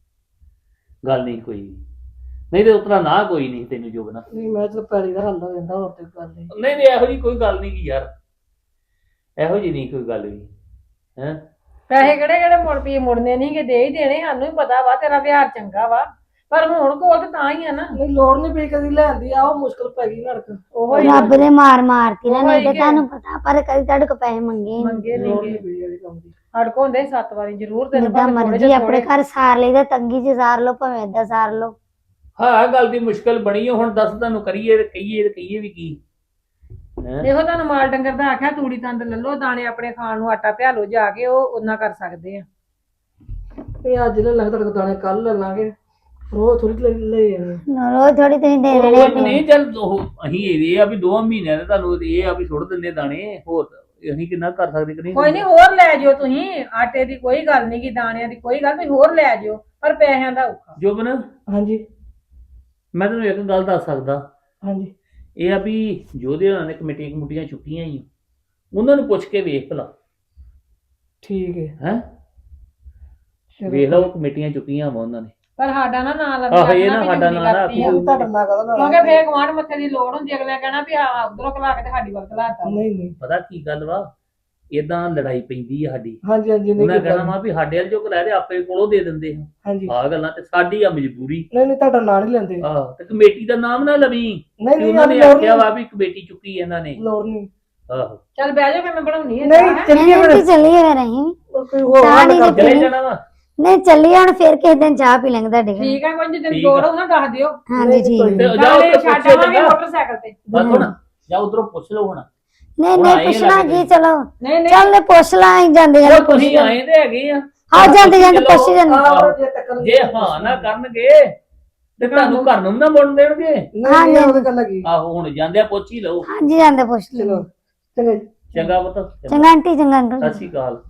C: ਗੱਲ ਨਹੀਂ ਕੋਈ ਵੀ। ਨਹੀਂ ਤੇ ਉਤਰਾ ਨਾ ਕੋਈ ਨਹੀਂ ਤੈਨੂੰ ਜੋਗਣਾ
A: ਨਹੀਂ ਮੈਂ ਤਾਂ ਪੈਰੀ ਦਾ ਹੱਲ ਹੋ ਜਾਂਦਾ ਹੋਰ ਤੇ ਗੱਲ ਨਹੀਂ
C: ਨਹੀਂ ਨਹੀਂ ਇਹੋ ਜੀ ਕੋਈ ਗੱਲ ਨਹੀਂ ਕੀ ਯਾਰ ਇਹੋ ਜੀ ਨਹੀਂ ਕੋਈ ਗੱਲ ਵੀ ਹੈ
D: ਪੈਸੇ ਕਿਹੜੇ ਕਿਹੜੇ ਮੁੜ ਪਈ ਮੁੜਨੇ ਨਹੀਂ ਕਿ ਦੇ ਹੀ ਦੇਣੇ, ਸਾਨੂੰ ਹੀ ਪਤਾ ਵਾ ਤੇਰਾ ਵਿਹਾਰ ਚੰਗਾ ਵਾ, ਪਰ ਹੁਣ ਕੋਲ ਤੇ ਤਾਂ ਹੀ ਆ ਨਾ।
A: ਨਹੀਂ ਲੋੜ ਨਹੀਂ ਪਈ ਕਦੀ ਲੈਂਦੀ ਆ, ਉਹ ਮੁਸ਼ਕਲ ਪੈ ਗਈ ਲੜਕ।
D: ਉਹ ਹੀ
B: ਰੱਬ ਦੇ ਮਾਰ ਮਾਰਤੀ ਨਾ, ਨਹੀਂ ਤੇ
D: ਉਹੀ ਕਿ-
B: ਤੁਹਾਨੂੰ ਪਤਾ, ਪਰ ਕਦੀ ਤੁਹਾਡੇ ਕੋ ਪੈਸੇ ਮੰਗੇ ਨੀ।
D: ਮੰਗੇ
A: ਲੋੜ
D: ਨਹੀਂ
A: ਨਹੀਂ ਪਈ ਇਹਦੇ ਕੰਮ ਦੀ।
D: ਹੜ ਕੋ ਹੁੰਦੇ ਸੱਤ ਵਾਰੀ ਜ਼ਰੂਰ ਤੈਨੂੰ
B: ਜਿੱਦਾਂ
D: ਭਾਵੇਂ ਥੋੜੇ
B: ਮਰਜ਼ੀ
D: ਜਿਹੇ
B: ਆਪਣੇ
D: ਥੋੜੇ।
B: ਘਰ ਸਾਰ ਲਈਦਾ, ਤੰਗੀ ਚ ਸਾਰ ਲਓ ਭਾਵੇਂ ਏਦਾਂ ਸਾਰ ਲਓ।
C: ਹਾਂ ਗੱਲ ਦੀ ਮੁਸ਼ਕਲ ਬਣੀ ਆ, ਹੁਣ ਦੱਸ ਤੁਹਾਨੂੰ ਕਰੀਏ ਤੇ ਕਹੀਏ ਤੇ ਕਹੀਏ ਵੀ ਕੀ ਹੈ।
D: ਇਹੋ ਤੁਹਾਨੂੰ ਮਾਲ ਡੰਗਰ ਦਾ ਆਖਿਆ, ਤੂੜੀ ਤੰਦ ਲੈ ਲਓ, ਦਾਣੇ ਆਪਣੇ ਖਾਣ ਨੂੰ ਆਟਾ ਪਿਆ ਲਓ ਜਾ ਕੇ, ਉਹ ਉਹਨਾਂ ਕਰ ਸਕਦੇ ਆ।
A: ਇਹ ਅੱਜ ਲੈ ਲਾਂਗੇ ਤੁਹਾਡੇ ਕੋਲ ਦਾਣੇ, ਕੱਲ ਲੈ ਲਾਂਗੇ, ਰੋਜ਼ ਥੋੜੀ ਲੈ ਲੈ ਜਾਣੇ।
B: ਰੋਜ਼ ਥੋੜੀ ਤੁਸੀਂ ਦੇ
C: ਉਹ
B: ਦੇਣੇ।
C: ਨਹੀਂ ਚੱਲ ਉਹ ਅਸੀਂ ਇਹ ਆ ਵੀ ਦੋਵਾਂ ਮਹੀਨਿਆਂ ਦੇ ਤੁਹਾਨੂੰ ਇਹ ਆ ਵੀ ਸੁੱਟ ਦਿੰਦੇ ਦਾਣੇ, ਹੋਰ ਅਸੀਂ ਕਿੰਨਾ ਕਰ ਸਕਦੇ ਕਿ ਨਹੀਂ।
D: ਕੋਈ ਨਹੀਂ, ਹੋਰ ਲੈ ਜਿਓ ਤੁਸੀਂ, ਆਟੇ ਦੀ ਕੋਈ ਗੱਲ ਨਹੀਂ ਗੀ, ਦਾਣਿਆਂ ਦੀ ਕੋਈ ਗੱਲ ਨਹੀਂ, ਹੋਰ ਲੈ ਜਿਓ, ਪਰ ਪੈਸਿਆਂ ਦਾ ਔਖਾ।
C: ਜੋਬਨ
A: ਹਾਂਜੀ
C: ਮੈਂ ਤੈਨੂੰ ਇੱਕ ਗੱਲ ਦੱਸ ਸਕਦਾ,
A: ਹਾਂਜੀ
C: ਇਹ ਆ ਵੀ ਜੋਦੇ ਹੋਣਾ ਨੇ ਕਮੇਟੀਆਂ ਕਮੂਟੀਆਂ ਚੁੱਕੀਆਂ ਹੀ ਉਹਨਾਂ ਨੂੰ ਪੁੱਛ ਕੇ ਵੇਖ ਭਲਾ
A: ਠੀਕ ਹੈ।
C: ਹੈ ਵੇਖ ਲਓ ਕਮੇਟੀਆਂ ਚੁੱਕੀਆਂ ਵਾ ਉਹਨਾਂ ਨੇ।
D: ਪਰ ਸਾਡਾ ਨਾ ਨਾਂ ਲੱਗ
C: ਆਹੋ, ਇਹ ਨਾ ਸਾਡਾ ਨਾਂ ਨਾ
D: ਕਰਤੀ ਆ।
C: ਆਖੀ।
A: ਤੁਹਾਡਾ ਨਾ ਕਹਦਾ
D: ਕਿਉਂਕਿ ਫੇਰ ਗਵਾਂਢ ਮੱਥੇ ਦੀ ਲੋੜ ਹੁੰਦੀ, ਅਗਲੇ ਕਹਿਣਾ ਵੀ ਆ ਉਧਰੋਂ ਕਲਾ ਕੇ ਤੇ ਸਾਡੀ ਵੱਲ ਕਲਾਤਾ।
A: ਨਹੀਂ ਨਹੀਂ
C: ਪਤਾ ਕੀ ਗੱਲ ਵਾ, ਇਦਾਂ ਲੜਾਈ ਪੈਂਦੀ ਆ ਸਾਡੀ।
A: ਹਾਂਜੀ ਹਾਂਜੀ ਨਹੀਂ
C: ਉਹਨਾਂ
A: ਕੋਈ
C: ਕਹਿਣਾ
A: ਗੱਲ
C: ਵਾ ਵੀ ਸਾਡੇ ਵਾਲ ਜੋ ਕਰਾਇਆ ਤੇ ਆਪੇ ਕੋਲੋਂ ਦੇ ਦਿੰਦੇ ਆ।
A: ਹਾਂਜੀ
C: ਆਹ ਗੱਲਾਂ ਤੇ ਸਾਡੀ ਆ ਮਜਬੂਰੀ।
A: ਨਹੀਂ ਨਹੀਂ ਤੁਹਾਡਾ ਨਾਂ ਨਹੀਂ ਲੈਂਦੇ।
C: ਆਹ ਤੇ ਕਮੇਟੀ ਦਾ ਨਾਮ ਨਾ ਲਵੀਂ
A: ਨਹੀਂ
C: ਕਿ
A: ਨਹੀਂ
C: ਉਹਨਾਂ ਨੇ
A: ਲੋੜ
C: ਆਖਿਆ
A: ਨਹੀਂ
C: ਵਾ ਵੀ ਕਮੇਟੀ ਚੁੱਕੀ ਇਹਨਾਂ ਨੇ।
A: ਲੋੜ ਨਹੀਂ।
C: ਆਹੋ
D: ਚੱਲ ਬਹਿ ਜਾ, ਫੇਰ ਮੈਂ ਬਣਾਉਣੀ ਹੈ
A: ਨਹੀਂ ਚੱਲੀਏ
B: ਨਹੀਂ
A: ਫਿਰ,
B: ਤੇ ਚੱਲੀਏ ਫਿਰ ਅਸੀਂ ਵੀ।
A: ਕੋਈ ਹੋਰ
B: ਚਾਹ
A: ਹੱਲ
B: ਨਹੀਂ
A: ਕਰ
C: ਚਲੇ
B: ਨਹੀਂ।
C: ਜਾਣਾ ਵਾ।
B: ਨਹੀਂ ਚੱਲੀਏ ਹੁਣ, ਫਿਰ ਕਿਸੇ ਦਿਨ ਚਾਹ ਪੀ ਲਾਂਗੇ ਤੁਹਾਡੇ ਘਰ।
D: ਠੀਕ ਆ, ਕੋਈ ਜਿੱਦਣ
C: ਠੀਕ
D: ਲੋੜ
C: ਆ।
D: ਹੋਊ ਨਾ ਦੱਸ ਦਿਓ।
B: ਹਾਂਜੀ
A: ਨਹੀਂ,
B: ਠੀਕ
A: ਕੋਈ
B: ਹੈ।
C: ਤੇ
A: ਨਹੀਂ।
C: ਜਾਓ
D: ਨਾਲੇ
C: ਉੱਧਰ
D: ਛੱਡ
C: ਪੁੱਛਿਓ
D: ਆਵਾਂਗੇ
C: ਚੰਗਾ।
D: ਮੋਟਰਸਾਈਕਲ ਤੇ।
C: ਬਸ ਹੁਣ ਜਾ ਉਧਰੋਂ ਪੁੱਛ ਲਓ ਹੁਣ।
B: ਨਹੀਂ
C: ਹੁਣ
B: ਨਹੀਂ
C: ਆਏ ਆ
B: ਪੁੱਛਣਾ
C: ਲੱਗ
B: ਕੀ,
C: ਗਏ।
B: ਚਲੋ
D: ਨਹੀਂ ਨਹੀਂ
B: ਚੱਲ ਪੁੱਛ ਲਾਂ ਅਸੀਂ ਜਾਂਦੇ
C: ਉਹ
B: ਜਾਂਦੇ ਪੁੱਛ
C: ਤੁਸੀਂ ਆਏ ਤੇ ਹੈਗੇ ਆ।
B: ਹਾਂ ਜਾਂਦੇ ਜਾਂਦੇ
C: ਚਲੋ।
B: ਪੁੱਛ ਜਾਂਦੇ।
A: ਆਹ ਜੇ ਤੱਕ
C: ਜੇ ਹਾਂ ਨਾ ਕਰਨਗੇ ਤੇ ਤੁਹਾਨੂੰ ਘਰ ਨੂੰ ਨਾ ਮੁੜਨ ਦੇਣਗੇ।
A: ਨਹੀਂ ਨਹੀਂ ਉਹਦੇ ਗੱਲ ਲੱਗੀ।
C: ਆਹੋ ਹੁਣ ਜਾਂਦੇ ਆ ਪੁੱਛ ਹੀ ਲਓ।
B: ਹਾਂਜੀ ਜਾਂਦੇ ਪੁੱਛ ਲਓ।
A: ਚਲੋ ਚੰਗਾ ਜੀ।
C: ਚੰਗਾ ਪੁੱਤ,
B: ਚੰਗਾ ਆਂਟੀ, ਚੰਗਾ ਅੰਕਲ।
C: ਸਤਿ ਸ਼੍ਰੀ ਅਕਾਲ।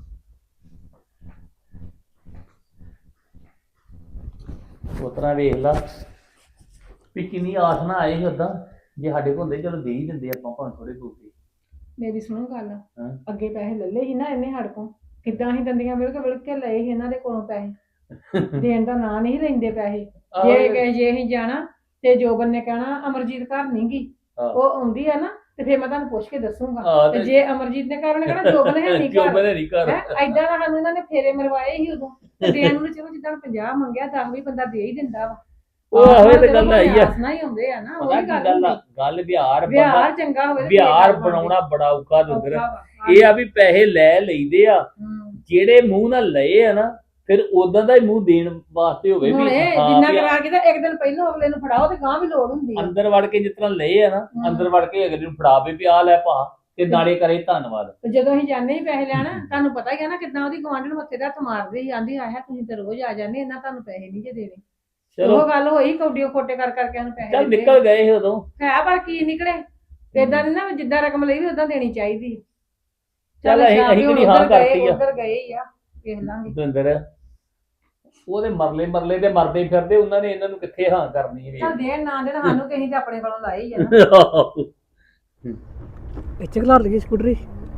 C: ਉਤਰਾ ਵੇਖ ਲਾ ਵੀ ਕਿੰਨੀ ਆਸ ਨਾ ਆਏ ਸੀ ਉਦਾਂ, ਜੇ ਸਾਡੇ ਕੋਲ ਹੁੰਦੇ ਚਲੋ ਦੇ ਹੀ ਦਿੰਦੇ ਆਪਾਂ ਭਾਵੇਂ ਥੋੜੇ ਬੂਟੇ।
D: ਮੇਰੀ ਸੁਣੋ ਗੱਲ,
C: ਹਾਂ।
D: ਅੱਗੇ ਪੈਸੇ ਲੈ ਲਏ ਸੀ ਨਾ ਇਹਨੇ ਸਾਡੇ ਕੋਲ, ਕਿੱਦਾਂ ਹੀ ਦੰਦੀਆਂ ਮਿਲ ਕੇ ਮਿਲ ਕੇ ਲਏ ਸੀ ਇਹਨਾਂ ਦੇ ਕੋਲੋਂ ਪੈਸੇ। ਦੇਣ ਦਾ ਨਾਂ ਨਹੀਂ ਲੈਂਦੇ ਪੈਸੇ। ਜੇ ਕਹੇ ਜੇ ਅਸੀਂ ਜਾਣਾ ਤੇ ਜੋਬਨ ਨੇ ਕਹਿਣਾ ਅਮਰਜੀਤ ਘਰ ਨਹੀਂ ਗਈ, ਉਹ ਆਉਂਦੀ ਆ ਨਾ ਤੇ ਫਿਰ ਮੈਂ ਤੁਹਾਨੂੰ ਪੁੱਛ ਕੇ ਦੱਸੂਗਾ। ਤੇ ਜੇ ਅਮਰਜੀਤ ਨੇ ਘਰ, ਉਹਨੇ ਕਹਿਣਾ ਜੋਬਨ ਹੈ ਨਹੀਂ
C: ਜੋ
D: ਘਰ।
C: ਬਣੇ ਨਹੀਂ ਕਰ।
D: ਹੈ ਐਦਾਂ ਦਾ ਸਾਨੂੰ ਇਹਨਾਂ ਨੇ ਫੇਰੇ ਮਰਵਾਏ ਸੀ ਉਦੋਂ। ਤੇ ਦੇਣ ਨੂੰ ਚਲੋ ਜਿੱਦਾਂ ਪੰਜਾਹ ਮੰਗਿਆ ਦਸ ਵੀ ਬੰਦਾ ਦੇ ਹੀ ਦਿੰਦਾ ਵਾ।
C: ਉਹ ਆਹੋ ਤੇ ਗੱਲ ਆਈ ਆ।
D: ਆਸਨਾ ਹੀ ਹੁੰਦੇ ਆ ਨਾ, ਉਹ
C: ਪਤਾ
D: ਵੀ
C: ਕੀ
D: ਗੱਲ
C: ਗੱਲ ਆ,
D: ਹੁੰਦੀ।
C: ਗੱਲ ਵਿਹਾਰ
D: ਵਿਹਾਰ ਚੰਗਾ ਹੋਵੇ ਤੇ
C: ਵਿਹਾਰ
D: ਫੇਰ ਗੱਲ
C: ਬਣਾਉਣਾ ਬੜਾ ਔਖਾ ਦੁੰਦਰ।
D: ਔਖਾ ਵਾ।
C: ਇਹ ਆ ਵੀ ਪੈਸੇ ਲੈ ਲਈਦੇ ਆ,
D: ਹੂੰ।
C: ਜਿਹੜੇ ਮੂੰਹ ਨਾਲ ਲਏ ਆ ਨਾ ਫਿਰ ਉਦਾਂ ਦਾ ਹੀ ਮੂੰਹ ਦੇਣ ਵਾਸਤੇ ਹੋਵੇ
D: ਹੁਣ
C: ਵੀ
D: ਇਹ
C: ਹਾਂ
D: ਜਿੰਨਾ
C: ਵੀ
D: ਕਰਾ ਕੇ ਤਾਂ ਇੱਕ ਦਿਨ ਪਹਿਲਾਂ ਅਗਲੇ ਨੂੰ ਫੜਾਓ ਤੇ ਗਾਂ ਵੀ ਲੋੜ ਹੁੰਦੀ ਆ।
C: ਅੰਦਰ ਵੜ ਕੇ ਜਿਸ ਤਰ੍ਹਾਂ ਲਏ ਆ ਨਾ,
D: ਹਮ।
C: ਅੰਦਰ ਵੜ ਕੇ ਅਗਲੇ ਨੂੰ ਫੜਾਵੇ ਵੀ ਆ ਲੈ ਭਾ, ਤੇ ਨਾਲੇ ਕਰੇ ਧੰਨਵਾਦ।
D: ਤੇ ਜਦੋਂ ਅਸੀਂ ਜਾਂਦੇ ਹੀ ਪੈਸੇ ਲੈਣਾ, ਤੁਹਾਨੂੰ ਪਤਾ ਹੀ ਆ ਨਾ ਕਿੱਦਾਂ ਉਹਦੀ ਗਵਾਂਢਣ ਮੱਥੇ ਦਾ ਹੱਥ ਮਾਰਦੇ ਸੀ, ਆਂਦੀ ਆਇਆ ਤੁਸੀਂ ਤੇ ਰੋਜ਼ ਆ ਜਾਂਦੇ, ਇਹਨਾਂ ਤੁਹਾਨੂੰ ਪੈਸੇ ਨਹੀਂ ਜੇ ਦੇਣੇ।
C: ਚਲੋ
D: ਉਹ ਗੱਲ ਹੋਈ ਕੌਡੀਓ ਖੋਟੇ ਕਰ ਕਰਕੇ ਉਹਨੂੰ ਪੈਸੇ
C: ਚੱਲ
D: ਦਿੱਤੇ।
C: ਨਿਕਲ ਗਏ ਸੀ ਉਦੋਂ।
D: ਹੈ ਪਰ ਕੀ ਨਿਕਲੇ, ਏਦਾਂ ਨਹੀਂ ਨਾ ਵੀ ਜਿੱਦਾਂ ਰਕਮ ਲਈ ਵੀ ਉਦਾਂ ਦੇਣੀ ਚਾਹੀਦੀ।
C: ਚੱਲ ਅਸੀਂ ਅਸੀਂ ਕਿਹੜੀ ਹਾਂ ਕਰਤੀ ਆ
D: ਉਧਰ ਗਏ ਹੀ ਆ, ਵੇਖ ਲਾਂਗੇ।
C: ਦੁੰਦਰ ਉਹਦੇ ਮਰਲੇ ਮਰਲੇ ਦੇ ਮਰਦੇ ਫਿਰਦੇ, ਉਹਨਾਂ ਨੇ ਇਹਨਾਂ ਨੂੰ ਕਿੱਥੇ ਹਾਂ ਕਰਨੀ
D: ਚੱਲ
C: ਹੈ।
D: ਦੇਣ ਨਾ ਦੇਣ, ਸਾਨੂੰ ਕਿਸੇ ਤੇ ਆਪਣੇ ਕੋਲੋਂ ਲਾਏ ਹੀ ਆ ਨਾ।
A: ਇੱਥੇ ਖਲਾਰ ਲਈਏ ਸਕੂਟਰੀ।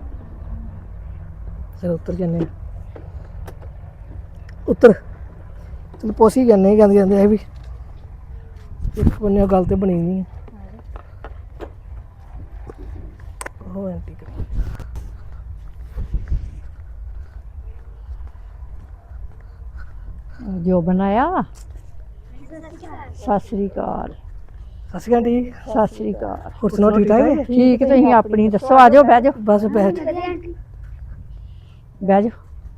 A: ਚਲ ਉੱਤਰ ਜੰਨੇ ਉੱਤਰ ਚਲ ਪੋਸੀ ਜਾਂਦੇ ਜਾਂਦੇ ਜਾਂਦੇ ਇਹ ਵੀ ਇੱਕ ਬੰਨੇ ਗੱਲ ਤੇ ਬਣੀ ਨਹੀਂ ਉਹ ਐਂਟੀ
E: ਜੋ ਬਣਾਇਆ। ਸਤਿ ਸ੍ਰੀ ਅਕਾਲ।
A: ਸਤਿ ਸ਼੍ਰੀ ਅਕਾਲ ਜੀ।
E: ਸਤਿ ਸ੍ਰੀ ਅਕਾਲ।
A: ਹੋਰ ਸੁਣਾਓ ਠੀਕ ਠਾਕ ਹੈ?
E: ਠੀਕ, ਤੁਸੀਂ ਆਪਣੀ ਦੱਸੋ। ਆ ਜਾਓ, ਬਹਿ ਜਾਓ,
A: ਬਸ ਬੈਠ।
E: ਬਹਿ ਜਾਓ।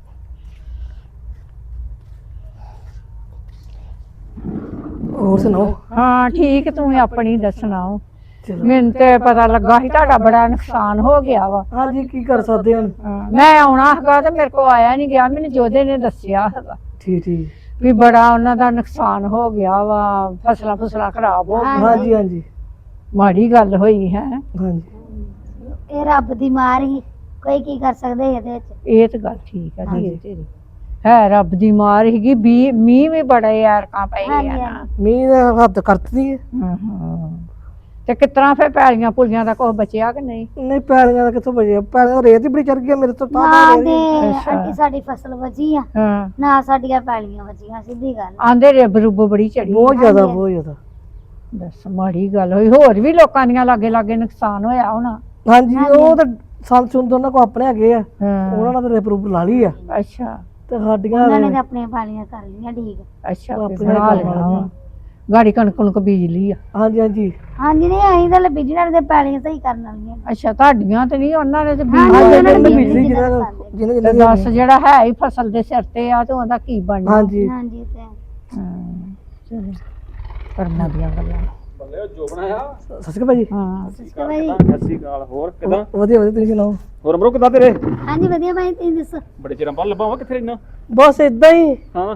A: ਹੋਰ ਸੁਣਾਓ?
E: ਹਾਂ ਠੀਕ, ਤੂੰ ਆਪਣੀ ਦੱਸਣਾ।
A: ਚਲੋ
E: ਮੈਨੂੰ ਤੇ ਪਤਾ ਲੱਗਾ ਸੀ ਤੁਹਾਡਾ ਬੜਾ ਨੁਕਸਾਨ ਹੋ ਗਿਆ ਵਾ।
A: ਹਾਂਜੀ ਕੀ ਕਰ ਸਕਦੇ ਹਾਂ?
E: ਹਾਂ, ਮੈਂ ਆਉਣਾ ਹੈਗਾ ਤੇ ਮੇਰੇ ਕੋਲ ਆਇਆ ਨਹੀਂ ਗਿਆ। ਮੈਨੂੰ ਜੋਧੇ ਨੇ ਦੱਸਿਆ ਹੈਗਾ
A: ਠੀਕ ਠੀਕ।
E: ਵੀ ਬੜਾ ਉਹਨਾਂ ਦਾ ਨੁਕਸਾਨ ਹੋ ਗਿਆ ਵਾ, ਫਸਲਾਂ ਫਸਲਾਂ ਖਰਾਬ ਹੋ ਗਈਆਂ।
A: ਹਾਂਜੀ ਹਾਂਜੀ
E: ਮਾੜੀ ਗੱਲ ਹੋਈ ਹੈ।
A: ਹਾਂਜੀ
B: ਇਹ ਰੱਬ ਦੀ ਮਾਰ ਹੀ, ਕੋਈ ਕੀ ਕਰ ਸਕਦੇ ਇਹਦੇ ਵਿੱਚ।
E: ਇਹ ਤਾਂ ਗੱਲ ਠੀਕ ਹੈ ਜੀ
A: ਹਾਂਜੀ।
E: ਤੇਰੀ। ਹੈ ਰੱਬ ਦੀ ਮਾਰ ਸੀਗੀ। ਵੀ ਮੀਂਹ ਵੀ ਬੜੇ ਐਰਕਾਂ ਪਏ ਆ
B: ਹਾਂਜੀ,
E: ਨਾ।
A: ਮੀਂਹ ਦਾ ਹੱਦ ਕਰਤੀ ਹੈ।
E: ਹਾਂ ਹਾਂ। ਤੇ ਕਿਸ ਤਰ੍ਹਾਂ ਫੇਰ ਪੈਲੀਆਂ ਪੁਲੀਆਂ ਦਾ ਕੁਛ ਬਚਿਆ ਕਿ ਨਹੀਂ?
A: ਨਹੀਂ ਪੈਲੀਆਂ ਦਾ ਕਿੱਥੋਂ ਬਜੇ? ਪੈਲੀਆਂ ਰੇਤ ਹੀ ਬੜੀ ਚੜ ਗਈ ਮੇਰੇ ਤੋਂ ਤਾਂ
B: ਨਾ
A: ਤਾਂ
B: ਦੇ
E: ਅੱਛਾ।
B: ਆਂਟੀ ਸਾਡੀ ਫਸਲ ਵਜੀ ਆ,
E: ਹਾਂ,
B: ਨਾ ਸਾਡੀਆਂ ਪੈਲੀਆਂ ਵਜੀਆਂ, ਸਿੱਧੀ ਗੱਲ।
E: ਆਂਦੇ ਰਿਬ ਰੁਬ ਬੜੀ ਚੜੀ।
A: ਬਹੁਤ ਜ਼ਿਆਦਾ ਬਹੁਤ ਜ਼ਿਆਦਾ।
E: ਦੱਸ ਮਾੜੀ ਗੱਲ ਹੋਈ। ਹੋਰ ਵੀ ਲੋਕਾਂ ਦੀਆਂ ਲਾਗੇ ਲਾਗੇ ਨੁਕਸਾਨ ਹੋਇਆ ਹੋਣਾ।
A: ਹਾਂਜੀ ਉਹ ਤਾਂ ਸੰਦ ਸੁੰਦ ਉਹਨਾਂ ਕੋ ਆਪਣੇ ਹੈਗੇ ਆ,
E: ਹਾਂ
A: ਉਹਨਾਂ ਨਾਲ ਤੇ ਰੇਪ ਲਾ ਲਈ ਆ
E: ਅੱਛਾ
A: ਤੇ ਸਾਡੀਆਂ
B: ਉਹਨਾਂ ਨੇ ਤਾਂ ਆਪਣੀਆਂ ਪਾਲੀਆਂ ਕਰ ਲਈਆਂ ਠੀਕ
E: ਅੱਛਾ
A: ਆਪਣੇ
E: ਫਿਰ ਬਣਾ
A: ਘਰ
E: ਲਿਆ
A: ਵਾਲੀਆਂ।
E: ਵਾ। ਗਾੜੀ ਕਣਕ ਕਣਕ ਬੀਜ ਲਈ ਆ
A: ਹਾਂਜੀ ਹਾਂਜੀ
B: ਹਾਂਜੀ ਨਹੀਂ ਅਸੀਂ ਤਾਂ ਬਿਜਨਸ ਦੇ ਪਾਲੀਆਂ ਸਹੀ ਕਰਨ ਵਾਲੀਆਂ
E: ਅੱਛਾ ਤੁਹਾਡੀਆਂ ਤੇ ਨਹੀਂ ਉਹਨਾਂ ਨੇ ਤੇ
B: ਹਾਂਜੀ,
E: ਬੀਜ
B: ਉਹਨਾਂ
A: ਹਾਂਜੀ
B: ਨੇ
A: ਇਹਨਾਂ
B: ਬੀਜ
A: ਬਿਜਲੀ
B: ਲਈ
A: ਜਿਹਨਾਂ
B: ਜਿਹਨਾਂ
A: ਜਿਹਨਾਂ
E: ਤੇ
A: ਜਿਹਨਾਂ
E: ਦੱਸ ਜਿਹੜਾ ਹੈ ਹੀ ਫਸਲ ਦੇ ਸਿਰ ਤੇ ਆ ਤੇ ਉਹਦਾ ਕੀ ਬਣਨਾ
A: ਹਾਂਜੀ
B: ਹਾਂਜੀ ਤੇ
E: ਹਾਂ, ਚਲੋ ਕਰਨਾ ਦੀਆਂ ਗੱਲਾਂ
C: ਬੱਲੇ ਜੋ ਬਣਾਇਆ
A: ਸਤਿ ਸ਼੍ਰੀ ਅਕਾਲ ਭਾਜੀ।
E: ਹਾਂ
B: ਸਿਸਟਰ ਭਾਈ
C: ਸਤਿ ਸ਼੍ਰੀ ਅਕਾਲ। ਹੋਰ ਕਿਦਾਂ?
A: ਵਧੀਆ ਵਧੀਆ ਤੁਸੀਂ ਸੁਣਾਓ।
C: ਹੋਰ ਅਮਰੋ ਕਿਦਾਂ ਤੇਰੇ?
B: ਹਾਂਜੀ ਵਧੀਆ ਭਾਈ ਤੁਸੀਂ ਦੱਸੋ
C: ਬੜੇ ਚਿਰਾਂ ਬਾਅਦ ਲੱਭਾ ਵਾ, ਕਿੱਥੇ ਰਹਿਣਾ?
A: ਬਸ ਇਦਾਂ ਹੀ।
C: ਹਾਂ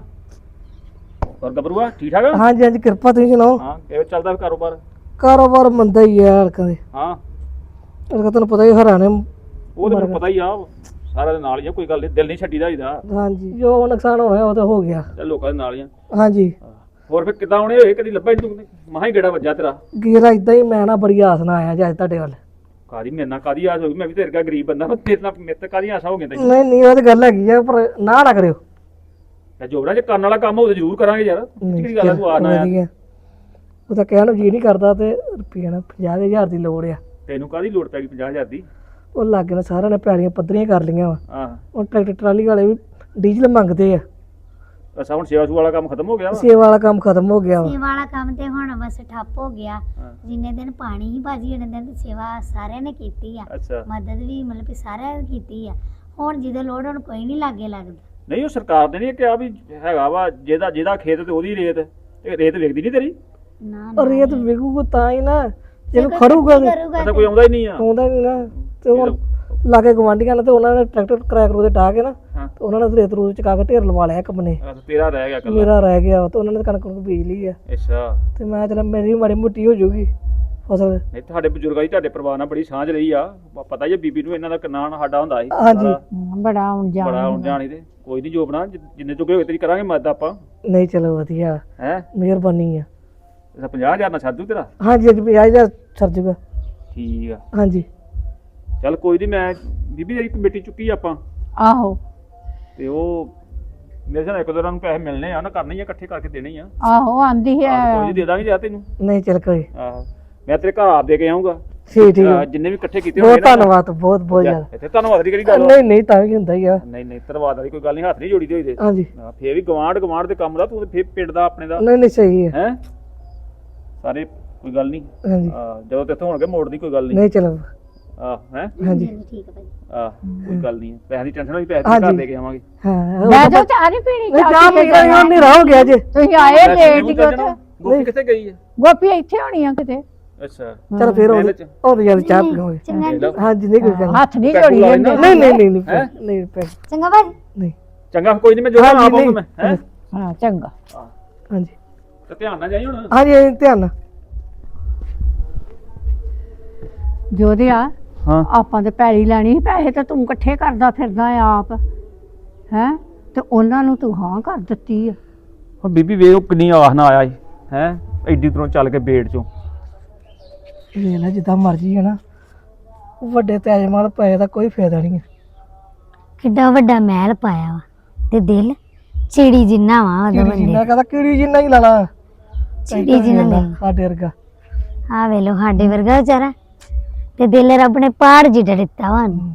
C: ਹੋਰ ਗੱਭਰੂਆ ਠੀਕ ਠਾਕ?
A: ਹਾਂਜੀ ਹਾਂਜੀ ਕਿਰਪਾ, ਤੁਸੀਂ ਸੁਣਾਓ।
C: ਹਾਂ ਕਿਵੇਂ ਚੱਲਦਾ ਫਿਰ ਕਾਰੋਬਾਰ?
A: ਕਾਰੋਬਾਰ ਮੰਦਾ ਹੀ ਆ ਹਲਕਾ ਦੇ,
C: ਹਾਂ
A: ਹਲਕਾ ਤੁਹਾਨੂੰ ਪਤਾ ਹੀ ਹਰਾਣੇ।
C: ਉਹ ਤਾਂ ਮੈਨੂੰ ਪਤਾ ਹੀ ਆ, ਸਾਰਾ ਦੇ ਨਾਲ ਹੀ ਆ, ਕੋਈ ਗੱਲ ਨਹੀਂ, ਦਿਲ ਨਹੀਂ ਛੱਡੀਦਾ ਇਹਦਾ।
A: ਹਾਂਜੀ ਜੋ ਨੁਕਸਾਨ ਹੋਇਆ ਉਹ ਤਾਂ ਹੋ ਗਿਆ।
C: ਚੱਲ ਲੋਕਾਂ ਦੇ ਨਾਲ ਹੀ ਆ।
A: ਹਾਂਜੀ
C: ਹੋਰ ਫਿਰ ਕਿੱਦਾਂ ਆਉਣੇ ਹੋਏ, ਕਦੀ ਲੱਭਾ ਹੀ ਤੂੰ? ਮਹਾ ਹੀ ਗੇੜਾ ਵੱਜਾ ਤੇਰਾ।
A: ਗੇਰਾ ਇਦਾਂ ਹੀ, ਮੈਂ ਨਾ ਬੜੀ ਆਸ ਨਾਲ ਆਇਆ ਜੀ ਅੱਜ ਤੁਹਾਡੇ ਵੱਲ।
C: ਕਾਦੀ ਮੇਰੇ ਨਾਲ ਕਾਦੀ ਆਸ ਹੋ ਗਈ? ਮੈਂ ਵੀ ਤੇਰੇ ਵਰਗਾ ਗਰੀਬ ਬੰਦਾ, ਤੇਰੇ ਨਾਲ ਮੇਰੇ ਤੇ ਕਾਦੀ ਆਸਾ ਹੋ ਗਈ ਤੈਨੂੰ?
A: ਨਹੀਂ ਨਹੀਂ ਉਹ ਤਾਂ ਗੱਲ ਹੈਗੀ ਆ, ਪਰ ਨਾ ਨਾ ਕਰਿਓ।
C: ਤੇ ਜੋਬਰਾ ਜੇ ਕਰਨ ਵਾਲਾ ਕੰਮ ਹੋਵੇ ਜ਼ਰੂਰ ਕਰਾਂਗੇ ਯਾਰ। ਕਿਹੜੀ ਗੱਲ ਆ, ਤੂੰ ਆ ਨਾ ਆਇਆ।
A: ਵਧੀਆ। ਉਹ ਤਾਂ ਕਹਿਣ ਨੂੰ ਜੀ ਨਹੀਂ ਕਰਦਾ ਤੇ ਰੁਪਈਆ ਨਾ ਪੰਜਾਹ ਹਜ਼ਾਰ ਦੀ ਲੋੜ ਆ।
C: ਤੈਨੂੰ ਕਾਦੀ ਲੋੜ ਪੈ ਗਈ ਪੰਜਾਹ ਹਜ਼ਾਰ ਦੀ?
A: ਉਹ ਲਾਗੇ ਨਾਲ ਸਾਰਿਆਂ ਨੇ ਪੈਲੀਆਂ ਪੱਧਰੀਆਂ ਕਰ ਲਈਆਂ ਵਾ।
C: ਹਾਂ
A: ਹੁਣ ਟਰੈਕਟਰ ਟਰਾਲੀ ਵਾਲੇ ਵੀ ਡੀਜ਼ਲ ਮੰਗਦੇ ਆ।
C: ਅੱਛਾ ਹੁਣ ਸੇਵਾ ਸੂ ਵਾਲਾ ਕੰਮ ਖਤਮ ਹੋ ਗਿਆ ਵਾ?
A: ਸੇਵਾ ਵਾਲਾ ਕੰਮ ਖਤਮ ਹੋ ਗਿਆ ਵਾ।
B: ਸੇਵਾ ਵਾਲਾ ਕੰਮ ਤੇ ਹੁਣ ਬਸ ਠੱਪ ਹੋ ਗਿਆ।
C: ਹਾਂ।
B: ਜਿੰਨੇ ਦਿਨ ਪਾਣੀ ਹੀ ਬਾਜੀ ਉਹਨੇ ਦਿਨ ਸੇਵਾ ਸਾਰਿਆਂ ਨੇ ਕੀਤੀ ਆ,
C: ਅੱਛਾ
B: ਮਦਦ ਵੀ ਮਤਲਬ ਕਿ ਸਾਰਿਆਂ ਨੇ ਕੀਤੀ ਆ। ਹੁਣ ਜਦੋਂ ਲੋੜ ਹੁਣ ਕੋਈ ਨਹੀਂ ਲਾਗੇ ਲੱਗਦਾ।
C: ਨਹੀਂ ਉਹ ਸਰਕਾਰ ਨੇ ਨਹੀਂ ਕਿਹਾ ਵੀ ਹੈਗਾ ਵਾ, ਜਿਹਦਾ ਜਿਹਦਾ ਖੇਤ ਤੇ ਉਹਦੀ ਰੇਤ, ਤੇ ਰੇਤ ਵੇਖਦੀ ਨਹੀਂ ਤੇਰੀ?
B: ਨਾ
A: ਪਰ ਰੇਤ ਵਿਕੂਗਾ ਤਾਂ ਹੀ ਨਾ, ਜੇ ਕੋਈ ਖੜੂਗਾ ਤੇ
C: ਅੱਛਾ ਕੋਈ ਆਉਂਦਾ ਹੀ ਨਹੀਂ ਆ?
A: ਆਉਂਦਾ ਨਹੀਂ ਨਾ। ਤੇ ਹੁਣ ਲਾਗੇ ਗਵਾਂਢੀਆਂ ਨੇ ਤੇ ਉਹਨਾਂ ਨੇ ਟਰੈਕਟਰ ਕਿਰਾਏ ਕਰੋ ਦੇ ਢਾਹ ਕੇ ਨਾ,
C: ਹਾਂ।
A: ਤੇ ਉਹਨਾਂ ਨੇ ਰੇਤ ਰੂਤ ਚਕਾ ਕੇ ਢੇਰ ਲਵਾ ਲਿਆ ਇੱਕ ਬੰਨੇ।
C: ਅੱਛਾ ਤੇਰਾ ਰਹਿ ਗਿਆ ਕੱਲਾ?
A: ਮੇਰਾ ਰਹਿ ਗਿਆ ਤੇ ਉਹਨਾਂ ਨੇ ਕਣਕ ਨੂੰ ਬੀਜ ਲਈ ਆ।
C: ਅੱਛਾ
A: ਤੇ ਮੈਂ ਚਲ ਮੇਰੀ ਮਾੜੀ ਮੋਟੀ ਹੋ ਜਾਊਗੀ ਫਸਲ।
C: ਨਹੀਂ ਤੁਹਾਡੇ ਬਜ਼ੁਰਗਾਂ ਦੀ ਤੁਹਾਡੇ ਪਰਿਵਾਰ ਨਾਲ ਬੜੀ ਸਾਂਝ ਰਹੀ ਆ, ਪ- ਪਤਾ ਹੀ ਆ ਬੀਬੀ ਨੂੰ ਇਹਨਾਂ ਦਾ ਕਿੰਨਾ ਸਾਡਾ ਹੁੰਦਾ ਸੀ।
A: ਹਾਂਜੀ।
C: ਸਾਰਾ
E: ਬੜਾ ਹੁਣ ਜਾਣ
C: ਬੜਾ ਹੁਣ ਜਾਣੀ ਤੇ ਕੋਈ ਨਹੀਂ ਜੋਬਣਾ, ਜਿ- ਜਿੰਨੇ ਚੁੱਕੇ ਹੋਏ ਤੇਰੀ ਕਰਾਂਗੇ ਮਦਦ ਆਪਾਂ।
A: ਨਹੀਂ ਚਲੋ ਵਧੀਆ,
C: ਹੈ
A: ਮਿਹਰਬਾਨੀ ਆ।
C: ਪੰਜਾਹ ਹਜ਼ਾਰ ਨਾਲ ਛੱਡ ਦੂ ਤੇਰਾ?
A: ਹਾਂਜੀ ਹਾਂਜੀ ਪੰਜਾਹ ਹਜ਼ਾਰ ਸਰ ਜੂਗਾ।
C: ਠੀਕ ਆ
A: ਹਾਂਜੀ
C: ਚੱਲ ਕੋਈ ਨਹੀਂ। ਮੈਂ ਬੀਬੀ ਜਿਹੜੀ ਕਮੇਟੀ ਚੁੱਕੀ ਆ ਆਪਾਂ,
E: ਆਹੋ
C: ਤੇ ਉਹ ਮੇਰੇ ਨਾਲ ਇੱਕ ਦੋ ਨੂੰ ਪੈਸੇ ਮਿਲਣੇ ਆ ਨਾ, ਕਰਨੇ ਹੀ ਆ, ਇਕੱਠੇ ਕਰਕੇ ਦੇਣੇ ਹੀ ਆ।
E: ਆਹੋ ਆਂਦੀ
C: ਆਹ,
E: ਹੈ
C: ਕੋਈ ਨੀ ਦੇ ਦਾਂਗੇ ਜਾ ਤੈਨੂੰ।
A: ਨਹੀਂ ਚਲ ਕੋਈ
C: ਆਹੋ ਮੈਂ ਤੇਰੇ ਘਰ ਆਪ ਦੇ ਕੇ ਆਉਂਗਾ।
A: ਠੀਕ ਠੀਕ ਆ।
C: ਜਿੰਨੇ ਵੀ ਇਕੱਠੇ ਕੀਤੇ
A: ਬਹੁਤ
C: ਹੋਣਗੇ ਨਾ-
A: ਧੰਨਵਾਦ, ਬਹੁਤ ਬਹੁਤ ਜ਼ਿਆਦਾ।
C: ਇੱਥੇ ਧੰਨਵਾਦ ਦੀ ਕਿਹੜੀ ਗੱਲ ਆ?
A: ਨਹੀਂ ਨਹੀਂ ਤਾਂ ਵੀ ਹੁੰਦਾ ਹੀ ਆ।
C: ਨਹੀਂ ਨਹੀਂ ਧੰਨਵਾਦ ਵਾਲੀ ਕੋਈ ਗੱਲ ਨਹੀਂ, ਹੱਥ ਨਹੀਂ ਜੋੜੀ ਦੇ ਹੋਈ ਦੇ।
A: ਹਾਂਜੀ
C: ਹਾਂ, ਫੇਰ ਵੀ ਗਵਾਂਢ ਗਵਾਂਢ ਦੇ ਕੰਮ ਦਾ, ਤੂੰ ਤੇ ਫੇਰ ਪਿੰਡ ਦਾ ਆਪਣੇ ਦਾ
A: ਨਹੀਂ ਨਹੀਂ ਸਹੀ ਹੈ।
C: ਹੈ ਸਾਰੇ ਕੋਈ ਗੱਲ ਨਹੀਂ।
A: ਹਾਂਜੀ
C: ਆਹ, ਜਦੋਂ ਤੇ ਇੱਥੋਂ ਹੋਣਗੇ ਮੋੜ ਦੀ ਕੋਈ ਗੱਲ ਨਹੀਂ।
A: ਨਹੀਂ ਚਲੋ
C: ਆਹ ਹੈ
A: ਹਾਂਜੀ
B: ਠੀਕ ਹੈ ਭਾਈ।
C: ਆਹ ਕੋਈ ਗੱਲ ਨਹੀਂ, ਪੈਸੇ ਦੀ ਟੈਨਸ਼ਨ ਹੋਈ, ਪੈਸੇ
A: ਹਾਂਜੀ।
C: ਘਰ ਦੇ ਕੇ ਆਵਾਂਗੇ।
A: ਹਾਂ
E: ਲੈ ਜਾਓ ਚਾਹ ਨਹੀਂ ਪੀਣੀ
A: ਨਹੀਂ
E: ਚਾਹ
A: ਚਾਹ
E: ਪੀ
A: ਪੀ
E: ਕੇ
A: ਕੇ
E: ਜਾਣਾ।
A: ਹਨੇਰਾ ਹੋ ਗਿਆ ਜੇ।
E: ਤੁਸੀਂ ਆਏ ਲੇਟ ਹੀ
C: ਚੱਲ ਜਾਣਾ।
E: ਉੱਥੇ
C: ਗੋਪੀ ਕਿੱਥੇ ਗਈ ਹੈ?
E: ਗੋਪੀ ਇੱਥੇ ਹੋਣੀ ਆ ਕਿਤੇ
C: ਅੱਛਾ
A: ਚਲ ਫੇਰ
C: ਇਹਦੇ
A: ਉਹ
C: ਚ
A: ਉਹ ਯਾਰ ਚਾਹ ਪੀਵਾਂਗੇ।
B: ਚੰਗਾ
C: ਦੇਖ ਲਓ।
A: ਹਾਂਜੀ ਨਹੀਂ ਕੋਈ ਗੱਲ
E: ਹੱਥ ਨਹੀਂ
C: ਪੈਸੇ
E: ਜੋੜੀ
C: ਲਾ
E: ਜਾਂਦੇ
C: ਲੈਂਦਾ।
A: ਨਹੀਂ ਨਹੀਂ ਨਹੀਂ ਨਹੀਂ
C: ਹੈਂ?
A: ਨਹੀਂ ਪੈ-
B: ਚੰਗਾ ਭਾਜੀ।
A: ਨਹੀਂ
C: ਚੰਗਾ ਕੋਈ ਨਹੀਂ, ਮੈਂ ਜੋ
A: ਹਾਂਜੀ,
C: ਆਪ ਆਉਂਗਾ
A: ਨਹੀਂ।
C: ਮੈਂ ਹੈ।
E: ਹਾਂ ਚੰਗਾ
A: ਹਾਂਜੀ
C: ਤੇ ਧਿਆਨ ਨਾਲ ਜਾਈ ਹੁਣ।
A: ਹਾਂਜੀ ਹਾਂਜੀ, ਧਿਆਨ ਨਾਲ।
E: ਜੋਧਿਆ
C: ਹਾਂ
E: ਆਪਾਂ ਤੇ ਪੈਲੀ ਲੈਣੀ ਸੀ, ਪੈਸੇ ਤਾਂ ਤੂੰ ਇਕੱਠੇ ਕਰਦਾ ਫਿਰਦਾ ਆ ਆਪ ਹੈ, ਤੇ ਉਹਨਾਂ ਨੂੰ ਤੂੰ ਹਾਂ ਕਰ ਦਿੱਤੀ ਆ।
C: ਹੁਣ ਬੀਬੀ ਵੇ ਉਹ ਕਿੰਨੀ ਆਸ ਨਾ ਆਇਆ ਸੀ ਹੈ, ਐਡੀ ਦੂਰੋਂ ਚੱਲ ਕੇ ਬੇੜ ਚੋਂ।
A: ਇਹ ਨਾ ਜਿੱਦਾਂ ਮਰਜ਼ੀ ਹੈ ਨਾ, ਵੱਡੇ ਤੇਜਮਾਲ ਪਏ ਦਾ ਕੋਈ ਫਾਇਦਾ ਨਹੀਂ ਹੈ।
B: ਕਿੱਡਾ ਵੱਡਾ ਮਹਿਲ ਪਾਇਆ ਵਾ ਤੇ ਦਿਲ ਚਿੜੀ ਜਿੰਨਾ ਵਾ ਉਹਦਾ
A: ਕਿਹੜੀ
B: ਬੰਦੇ
A: ਜਿੰਨਾ ਕਹਦਾ ਕਿਹੜੀ ਜਿੰਨਾ ਹੀ ਲਾਣਾ
B: ਚਿੜੀ ਜਿੰਨਾ ਲੈ
A: ਸਾਡੇ ਵਰਗਾ।
B: ਆ ਵੇਲੋ ਸਾਡੇ ਵਰਗਾ ਵਿਚਾਰਾ ਤੇ ਦਿਲ ਰੱਬ ਨੇ ਪਹਾੜ ਜਿੱਡਾ ਦਿੱਤਾ ਵਾ ਉਹਨੂੰ।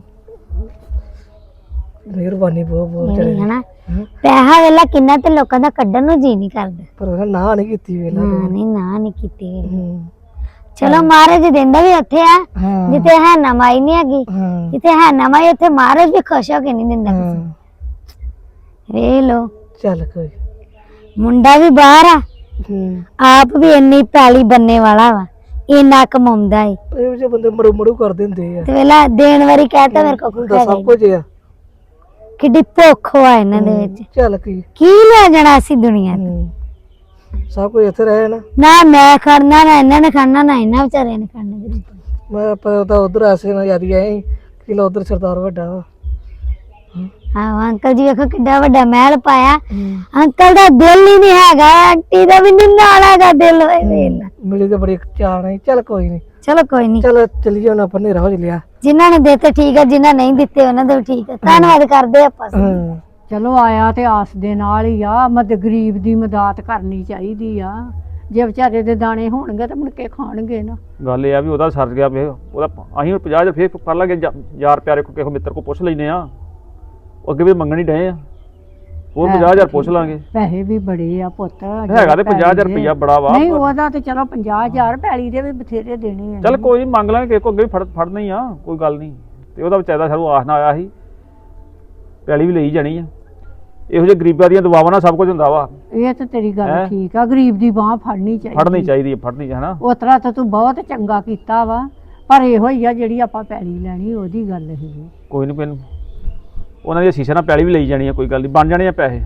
A: ਮਿਹਰਬਾਨੀ ਬਹੁਤ ਬਹੁਤ
B: ਇਹ
A: ਚੜੇ।
B: ਹਨਾ ਪੈਸਾ ਵੇਲਾ ਕਿੰਨਾ ਤੇ ਲੋਕਾਂ ਦਾ ਕੱਢਣ ਨੂੰ ਜੀ ਨਹੀਂ ਕਰਦਾ।
A: ਪਰ ਉਹਨਾਂ ਨਾ ਨਹੀਂ ਕੀਤੀ ਵੇਲਾ।
B: ਹਾਂ ਨਹੀਂ ਨਾ ਨਹੀਂ ਕੀਤੀ ਵੇਲੇ।
A: ਹੂੰ
B: ਚਲੋ ਮਹਾਰਾਜ ਦਿੰਦਾ ਵੀ ਉੱਥੇ ਆ
A: ਹਾਂ
B: ਜਿੱਥੇ ਹੈ ਨਾ ਮਾਈ ਨਹੀਂ ਹੈਗੀ।
A: ਹਾਂ
B: ਜਿੱਥੇ ਹੈ ਨਾ ਮਾਈ ਉੱਥੇ ਮਹਾਰਾਜ ਵੀ ਖੁਸ਼ ਹੋ ਕੇ ਨਹੀਂ ਦਿੰਦਾ ਕਿਸੇ
A: ਹਾਂ
B: ਨੂੰ। ਵੇਖ ਲੋ
A: ਚੱਲ ਕੋਈ।
B: ਮੁੰਡਾ ਵੀ ਬਾਹਰ ਆ,
A: ਹੂੰ
B: ਆਪ ਵੀ ਇੰਨੀ ਪੈਲੀ ਬੰਨੇ ਵਾਲਾ ਵਾ, ਇੰਨਾ ਕਮਾਉਂਦਾ ਏ
A: ਇਹ ਜਿਹੇ ਬੰਦੇ ਮੜੂ ਮੜੂ ਕਰ ਦਿੰਦੇ ਆ।
B: ਤੇ ਵੇਲਾ ਦੇਣ ਵਾਰੀ ਕਹਤਾ ਮੇਰੇ ਕੋਲ
A: ਹੁੰਦਾ ਸਭ ਕੁਝ ਆ।
B: ਕਿੱਡੀ ਭੁੱਖ ਵਾ ਇਹਨਾਂ ਦੇ ਵਿੱਚ।
A: ਚੱਲ ਕੀ।
B: ਕੀ ਲੈ ਜਾਣਾ ਸੀ ਦੁਨੀਆ ਤੋਂ।
A: ਹੂੰ ਸਭ ਕੁਝ ਇੱਥੇ ਰਹੇ ਨਾ।
B: ਨਾ ਮੈਂ ਖੜਨਾ, ਨਾ ਇਹਨਾਂ ਨੇ ਖੜਨਾ, ਨਾ ਇਹਨਾਂ ਵਿਚਾਰਿਆਂ ਨੇ ਖੜਨਾ ਗਰੀਬ।
A: ਮੈਂ ਪਰ ਤਾਂ ਉਧਰ ਆਸੇ ਨਾਲ ਯਾਰੀ ਆਏ ਕਿ ਲੋ ਉਧਰ ਸਰਦਾਰ ਵੱਡਾ ਵਾ।
B: ਆਹੋ ਅੰਕਲ ਜੀ ਵੇਖੋ ਕਿੱਡਾ ਵੱਡਾ ਮਹਿਲ ਪਾਇਆ। ਅੰਕਲ ਦਾ ਦਿਲ ਹੀ ਨਹੀਂ ਹੈਗਾ, ਆਂਟੀ ਦਾ ਵੀ ਨਹੀਂ ਨਾਲ ਹੈਗਾ ਦਿਲ। ਹੋਏ ਵੇਲਾ
A: ਮਿਲੀ ਤੇ ਬੜੀ ਚਾਹ ਨਹੀਂ। ਚੱਲ ਕੋਈ ਨਹੀਂ,
B: ਚਲੋ ਕੋਈ ਨਹੀਂ,
A: ਚੱਲ ਚੱਲੀਏ ਹੁਣ ਆਪਾਂ ਹਨੇਰਾ ਹੋ ਲਿਆ।
B: ਜਿਨ੍ਹਾਂ ਨੇ ਦਿੱਤੇ ਠੀਕ ਹੈ, ਜਿਨ੍ਹਾਂ ਨਹੀਂ ਦਿੱਤੇ ਉਹਨਾਂ ਦਾ ਵੀ ਠੀਕ ਹੈ। ਧੰਨਵਾਦ ਕਰਦੇ ਆਪਾਂ।
A: ਹਾਂ
E: ਚਲੋ ਆਇਆ ਤੇ ਆਸ ਦੇ ਨਾਲ ਹੀ ਆ, ਮਦ ਗਰੀਬ ਦੀ ਮਦਦ ਕਰਨੀ ਚਾਹੀਦੀ ਆ। ਜੇ ਵਿਚਾਰੇ ਦੇ ਦਾਣੇ ਹੋਣਗੇ ਤਾਂ ਮੁੜ ਕੇ ਖਾਣਗੇ ਨਾ।
F: ਗੱਲ ਇਹ ਆ ਵੀ ਉਹਦਾ ਸਰ ਗਿਆ ਵੇ ਉਹਦਾ ਅਸੀਂ ਹੁਣ ਪੰਜਾਹ ਹਜ਼ਾਰ ਫੇਰ ਕਰ ਲਾਂਗੇ ਜਾ- ਯਾਰ ਪਿਆਰੇ ਕੋ ਕਿਸੇ ਮਿੱਤਰ ਕੋ ਪੁੱਛ ਲੈਨੇ ਆ ਉਹ ਅੱਗੇ ਵੀ ਮੰਗਣ ਹੀ ਡਏ ਆ ਉਹ ਪੰਜਾਹ ਹਜ਼ਾਰ ਪੁੱਛ ਲਾਂਗੇ।
E: ਪੈਸੇ ਵੀ ਬੜੇ ਆ ਪੁੱਤ
F: ਹੈਗਾ ਤੇ ਪੰਜਾਹ ਹਜ਼ਾਰ ਰੁਪਈਆ ਬੜਾ ਵਾ
E: ਨਹੀਂ ਉਹਦਾ ਤੇ ਚਲੋ ਪੰਜਾਹ ਹਜ਼ਾਰ ਪੈਲੀ ਦੇ ਵੀ ਬਥੇਰੇ ਦੇਣੇ ਆ।
F: ਚੱਲ ਕੋਈ ਨੀ ਮੰਗ ਲਾਂਗੇ ਕਿਸੇ ਕੋ ਅੱਗੇ ਵੀ ਫੜ ਫੜਨਾ ਹੀ ਆ ਕੋਈ ਗੱਲ ਨਹੀਂ। ਤੇ ਉਹਦਾ ਵਿਚਾਰਾ ਸਾਨੂੰ ਆਸ ਨਾ ਆਇਆ ਸੀ ਪੈਲੀ ਵੀ ਲਈ ਜਾਣੀ ਆ। ਇਹੋ ਜਿਹੇ ਗਰੀਬਾਂ ਦੀਆਂ ਦੁਆਵਾਂ ਨਾਲ ਸਭ ਕੁਝ ਹੁੰਦਾ ਵਾ।
E: ਇਹ ਤਾਂ ਤੇਰੀ ਗੱਲ
F: ਹੈਂ?
E: ਠੀਕ ਆ ਗਰੀਬ ਦੀ ਬਾਹ ਫੜਨੀ ਚਾਹੀਦੀ
F: ਫੜਨੀ ਚਾਹੀਦੀ ਹੈ ਫੜਨੀ ਹਨਾ।
E: ਉਸ ਤਰ੍ਹਾਂ ਤਾਂ ਤੂੰ ਬਹੁਤ ਚੰਗਾ ਕੀਤਾ ਵਾ ਪਰ ਇਹੋ ਹੀ ਆ ਜਿਹੜੀ ਆਪਾਂ ਪੈਲੀ ਲੈਣੀ ਉਹਦੀ ਗੱਲ ਹੀ
F: ਕੋਈ ਨਹੀਂ ਕੋਈ ਉਹਨਾਂ ਦੀ ਸ਼ੀਸ਼ੇ ਨਾਲ ਪੈਲੀ ਵੀ ਲਈ ਜਾਣੀ ਆ ਕੋਈ ਗੱਲ ਨਹੀਂ ਬਣ ਜਾਣੇ ਆ ਪੈਸੇ।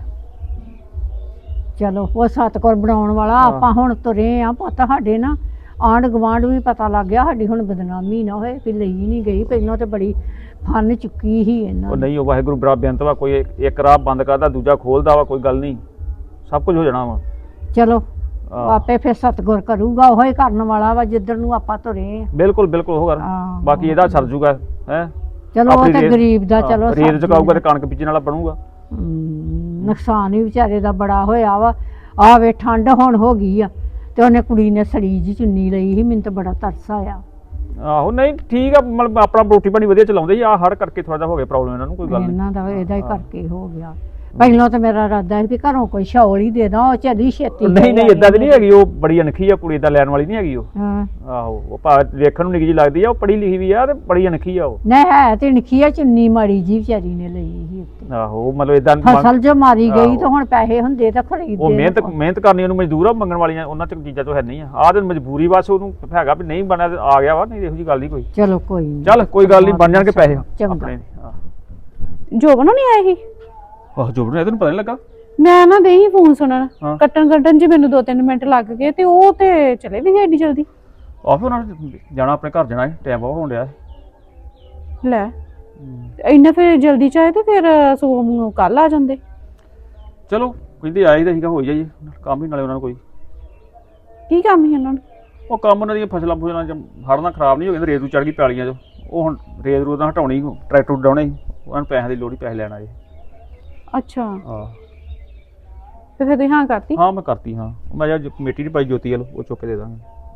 E: ਚਲੋ ਉਹ ਸਤਕੁਰ ਬਣਾਉਣ ਵਾਲਾ ਆਪਾਂ ਹੁਣ ਤੁਰੇ ਆ ਪੁੱਤ ਸਾਡੇ ਨਾ ਆਂਢ ਗੁਆਂਢ ਵੀ ਪਤਾ ਲੱਗ ਗਿਆ ਸਾਡੀ ਹੁਣ ਬਦਨਾਮੀ ਨਾ ਹੋਏ ਵੀ ਲਈ ਨਹੀਂ ਗਈ ਪਹਿਲਾਂ ਤੇ ਬੜੀ ਫਨ ਚੁੱਕੀ ਸੀ ਇਹਨਾਂ
F: ਉਹ
E: ਨੇ।
F: ਨਹੀਂ ਉਹ ਵਾਹਿਗੁਰੂ ਬੜਾ ਬੇਅੰਤ ਵਾ ਕੋਈ ਇੱਕ- ਇੱਕ ਰਾਹ ਬੰਦ ਕਰਦਾ ਦੂਜਾ ਖੋਲਦਾ ਵਾ ਕੋਈ ਗੱਲ ਨਹੀਂ ਸਭ ਕੁਝ ਹੋ ਜਾਣਾ ਵਾ।
E: ਚਲੋ
F: ਆਹ,
E: ਆਪੇ ਫਿਰ ਸਤਗੁਰ ਕਰੂਗਾ ਉਹ ਹੀ ਕਰਨ ਵਾਲਾ ਵਾ ਜਿੱਧਰ ਨੂੰ ਆਪਾਂ ਤੁਰੇ ਆ।
F: ਬਿਲਕੁਲ ਬਿਲਕੁਲ ਉਹ ਕਰ
E: ਹਾਂ।
F: ਬਾਕੀ ਇਹਦਾ ਸਰ ਜੂਗਾ ਹੈ
E: ਚਲੋ ਉਹ ਤਾਂ ਗਰੀਬ ਦਾ ਚਲੋ
F: ਰੇਤ
E: ਸਰ
F: ਚੁਕਾਊਗਾ ਤੇ ਕਣਕ ਬੀਜਣ ਵਾਲਾ ਬਣੂਗਾ।
E: ਹਮ, ਨੁਕਸਾਨ ਵੀ ਵਿਚਾਰੇ ਦਾ ਬੜਾ ਹੋਇਆ ਵਾ ਆ ਵੇ ਠੰਡ ਹੁਣ ਹੋ ਗਈ ਆ ਤੇ ਉਹਨੇ ਕੁੜੀ ਨੇ ਸੜੀ ਜੀ ਚੁੰਨੀ ਲਈ ਸੀ ਮੈਨੂੰ ਤਾਂ ਬੜਾ ਤਰਸ ਆਇਆ।
F: ਆਹੋ ਨਹੀਂ ਠੀਕ ਆ ਮਤਲਬ ਆਪਣਾ ਰੋਟੀ ਪਾਣੀ ਵਧੀਆ ਚਲਾਉਂਦੇ ਜੀ ਆ ਹੜ ਕਰਕੇ ਥੋੜਾ ਜਿਹਾ ਹੋ ਗਿਆ ਪ੍ਰੋਬਲਮ ਇਹਨਾਂ ਨੂੰ ਕੋਈ ਗੱਲ ਨਹੀਂ।
E: ਇਹਨਾਂ ਦਾ ਇਹਦਾ ਹੀ ਕਰਕੇ ਹੋ ਗਿਆ। ਪਹਿਲਾਂ ਤਾਂ ਮੇਰਾ ਇਰਾਦਾ ਸੀ ਵੀ ਘਰੋਂ ਕੋਈ ਸ਼ੌਲ ਹੀ ਦੇ ਦਾਂ ਉਹ ਚੱਲੀ ਛੇਤੀ
F: ਨਹੀਂ ਨਹੀਂ ਇਦਾਂ ਦੀ ਨਹੀਂ ਹੈਗੀ ਉਹ ਬੜੀ ਅਣਖੀ ਆ ਕੁੜੀ ਇਦਾਂ ਲੈਣ ਵਾਲੀ ਨਹੀਂ ਹੈਗੀ ਉਹ।
E: ਹਾਂ
F: ਆਹੋ ਉਹ ਭਾ ਵੇਖਣ ਨੂੰ ਨਿੱਕੀ ਜੀ ਲੱਗਦੀ ਆ ਉਹ ਪੜ੍ਹੀ ਲਿਖੀ ਵੀ ਆ ਤੇ ਬੜੀ ਅਣਖੀ ਆ ਉਹ।
E: ਨਹੀਂ ਹੈ ਤੇ ਨਿੱਕੀ ਆ ਚੁੰਨੀ ਮਾੜੀ ਜੀ ਵਿਚਾਰੀ ਨੇ ਲਈ ਸੀ ਉੱਤੇ
F: ਆਹੋ ਉਹ ਮਤਲਬ ਇਦਾਂ
E: ਫਸਲ ਜੋ ਮਾਰੀ ਗਈ
F: ਆਹੋ।
E: ਤਾਂ ਹੁਣ ਪੈਸੇ ਹੁੰਦੇ ਤਾਂ ਖਰੀਦਦੇ
F: ਉਹ ਮਿਹਨਤ
E: ਨਾ।
F: ਮਿਹਨਤ ਕਰਨੀ ਉਹਨੂੰ ਮਜ਼ਦੂਰ ਆ ਮੰਗਣ ਵਾਲੀਆਂ ਉਹਨਾਂ ਚ ਚੀਜ਼ਾਂ ਤੋਂ ਹੈ ਨਹੀਂ ਆ ਆਹ ਤੇ ਮਜਬੂਰੀ ਬਸ ਉਹਨੂੰ ਹੈਗਾ ਵੀ ਨਹੀਂ ਬਣਿਆ ਤੇ ਆ ਗਿਆ ਵਾ ਨਹੀਂ ਇਹੋ ਜੀ ਗੱਲ ਨਹੀਂ ਕੋਈ।
E: ਚਲੋ ਕੋਈ ਨੀ।
F: ਚੱਲ ਕੋਈ ਗੱਲ ਨਹੀਂ ਬਣ ਜਾਣਗੇ ਪੈਸੇ
E: ਚੰਗਾ।
F: ਆਪਣੇ ਆਹ।
G: ਜੋਬਨ ਨਹੀਂ ਆਏ ਸੀ
F: ਆਹ ਜੋਬਨ ਇਹ ਤੈਨੂੰ ਪਤਾ ਨਹੀਂ ਲੱਗਾ।
G: ਮੈਂ ਨਾ ਦੇਹੀ ਫੋਨ ਸੁਣਨ
F: ਹਾਂ।
G: ਕੱਟਣ ਕੱਟਣ ਚ ਮੈਨੂੰ ਦੋ ਤਿੰਨ ਮਿੰਟ ਲੱਗ ਗਏ ਤੇ ਉਹ ਤੇ ਚਲੇ ਵੀ ਗਏ ਏਡੀ ਜਲਦੀ।
F: ਆਹ ਫਿਰ ਉਹਨਾਂ ਨੇ ਜਾਣਾ ਆਪਣੇ ਘਰ ਜਾਣਾ ਟਾਈਮ ਬਹੁਤ ਹੋਣ ਡਿਆ
G: ਲੈ ਇੰਨਾ ਫਿਰ ਜਲਦੀ ਚਾਹੇ ਤੇ ਫਿਰ ਸੋਮ ਨੂੰ ਕੱਲ ਆ ਜਾਂਦੇ।
F: ਚਲੋ ਕਹਿੰਦੇ ਆਏ ਤਾਂ ਸੀਗਾ ਹੋ ਜਾਈਏ ਕੰਮ ਹੀ ਨਾਲੇ ਉਹਨਾਂ ਨੂੰ ਕੋਈ
G: ਕੀ ਕੰਮ ਸੀ ਉਹਨਾਂ ਨੂੰ?
F: ਉਹ ਕੰਮ ਉਹਨਾਂ ਦੀਆਂ ਫਸਲਾਂ ਫੁਸਲਾਂ ਚ ਹੜ੍ਹ ਨਾਲ ਖਰਾਬ ਨਹੀਂ ਹੋ ਗਏ ਰੇਤ ਨੂੰ ਚੜ ਗਈ ਪੈਲੀਆਂ 'ਚ ਉਹ ਹੁਣ ਰੇਤ ਰੂਤ ਨਾਲ ਹਟਾਉਣੀ ਟਰੈਕਟਰ ਉਡਾਉਣੇ ਉਹਨਾਂ ਨੂੰ ਪੈਸਿਆਂ ਦੀ ਲੋੜ ਹੀ ਪੈਸੇ ਲੈਣ ਆਏ।
G: ਅੱਛਾ
F: ਹਾਂ
G: ਤੇ ਫਿਰ ਤੁਸੀਂ ਹਾਂ ਕਰਤੀ?
F: ਹਾਂ ਮੈਂ ਕਰਤੀ ਹਾਂ ਮੈਂ ਜਾਂ ਕਮੇਟੀ ਨਹੀਂ ਪਾਈ ਜੋਤੀ ਵੱਲ ਉਹ ਚੁੱਕ ਕੇ ਦੇ ਦਾਂਗੇ।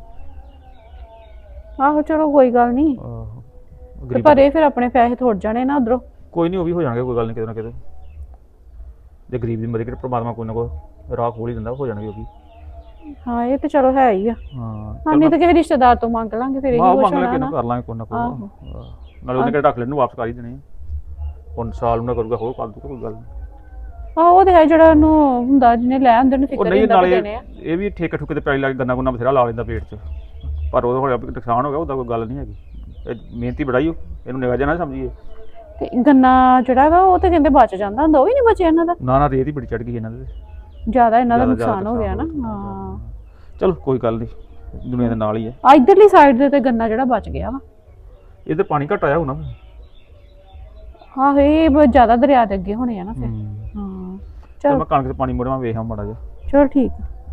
G: ਆਹੋ ਚਲੋ ਕੋਈ ਗੱਲ ਨਹੀਂ
F: ਆਹੋ
G: ਤੇ
F: ਗਰੀਬ-
G: ਪਰ ਇਹ ਫਿਰ ਆਪਣੇ ਪੈਸੇ ਥੋੜ ਜਾਣੇ ਨਾ ਉਧਰੋਂ।
F: ਕੋਈ ਨਹੀਂ ਉਹ ਵੀ ਹੋ ਜਾਣਗੇ ਕੋਈ ਗੱਲ ਨਹੀਂ ਕਿਤੇ ਨਾ ਕਿਤੇ ਜੇ ਗਰੀਬ ਦੀ ਮਦਦ ਕਰੇ ਪ੍ਰਮਾਤਮਾ ਕੋਈ ਨਾ ਕੋਈ ਰਾਹ ਖੋਲ ਹੀ ਦਿੰਦਾ ਹੋ ਜਾਣਗੇ ਉਹ ਵੀ।
G: ਹਾਂ ਇਹ ਤੇ ਚਲੋ ਹੈ ਹੀ ਆ।
F: ਹਾਂ
G: ਹਾਂ ਨਹੀਂ ਤਾਂ ਕਿਸੇ ਰਿਸ਼ਤੇਦਾਰ ਤੋਂ ਮੰਗ ਲਾਂਗੇ ਫਿਰ ਇਹੀ
F: ਆਹ
G: ਕੁਛ
F: ਮੰਗ ਲੈ
G: ਹੋਣਾ
F: ਕਿਹਨੂੰ
G: ਨਾ।
F: ਕਰ ਲਾਂਗੇ ਕੋਈ ਨਾ ਕੋਈ
G: ਆਹੋ।
F: ਆਹ, ਨਾਲੇ ਉਹਨੇ ਕਿਹੜਾ ਰੱਖ ਲੈਣ ਨੂੰ ਵਾਪਸ ਕਰ ਹੀ ਦੇਣੇ ਆ। ਹੁਣ ਸਾਲ ਨੂੰ ਨਾ ਕਰੂਗਾ ਹੋਰ ਕਰ ਦੂਗਾ ਕੋਈ ਗੱਲ ਨਹੀਂ।
G: ਹਾਂ ਉਹ ਤੇ ਹੈ ਜਿਹੜਾ ਉਹਨੂੰ ਹੁੰਦਾ ਜਿਹਨੇ ਲੈ ਆਂਦੇ ਨੂੰ
F: ਉਹ
G: ਫਿਕਰ
F: ਨਹੀਂ
G: ਹੁੰਦਾ ਵੀ
F: ਨਾਲੇ
G: ਦੇਣੇ ਆ।
F: ਇਹ ਵੀ ਠੇਕੇ ਠੁਕੇ ਤੇ ਪੈਲੀ ਲੱਗ ਗੰਨਾ ਗੁੰਨਾ ਬਥੇਰਾ ਲਾ ਲੈਂਦਾ ਪੇਟ 'ਚ ਪਰ ਉਹ ਹੁਣ ਨੁਕਸਾਨ ਹੋ ਗਿਆ ਉਹਦਾ ਕੋਈ ਗੱਲ ਨਹੀਂ ਹੈਗੀ ਇਹ ਮਿਹਨਤੀ ਬੜਾਈ ਉਹ ਇਹਨੂੰ ਨਿਗਾਹ ਜਾਣਾ ਸਮਝੀਏ।
G: ਤੇ ਗੰਨਾ ਜਿਹੜਾ ਵਾ ਉਹ ਤੇ ਕਹਿੰਦੇ ਬਚ ਜਾਂਦਾ ਹੁੰਦਾ ਉਹ ਵੀ ਨਹੀਂ ਬਚਿਆ ਇਹਨਾਂ ਦਾ।
F: ਨਾ ਨਾ ਰੇਤ ਹੀ ਬੜੀ ਚੜ ਗਈ ਇਹਨਾਂ ਦੇ
G: ਜ਼ਿਆਦਾ ਇਹਨਾਂ ਦਾ
F: ਜ਼ਿਆਦਾ- ਜ਼ਿਆਦਾ
G: ਨੁਕਸਾਨ ਹੋ ਗਿਆ ਨਾ।
F: ਨੁਕਸਾਨ ਹੋ
G: ਹਾਂ
F: ਗਿਆ। ਚਲੋ ਕੋਈ ਗੱਲ ਨਹੀਂ ਦੁਨੀਆ ਦੇ ਨਾਲ ਹੀ ਹੈ।
G: ਆ ਇਧਰਲੀ ਸਾਈਡ ਦੇ ਤੇ ਗੰਨਾ ਜਿਹੜਾ ਬਚ ਗਿਆ ਵਾ।
F: ਇਹਦੇ ਪਾਣੀ ਘਟ ਆਇਆ ਹੋਣਾ।
G: ਆਹੋ ਇਹ ਬ- ਜ਼ਿਆਦਾ ਦਰਿਆ ਦੇ ਅੱਗੇ ਹੋਣੇ ਆ ਨਾ ਫਿਰ।
F: ਹੂੰ
G: ਹਾਂ
F: ਚਲ
G: ਚਲ
F: ਮੈਂ ਕਣਕ 'ਚ ਪਾਣੀ ਮੋੜਾਂ ਵੇਖਾਂ ਮਾੜਾ ਜਿਹਾ।
G: ਚਲੋ ਠੀਕ ਆ।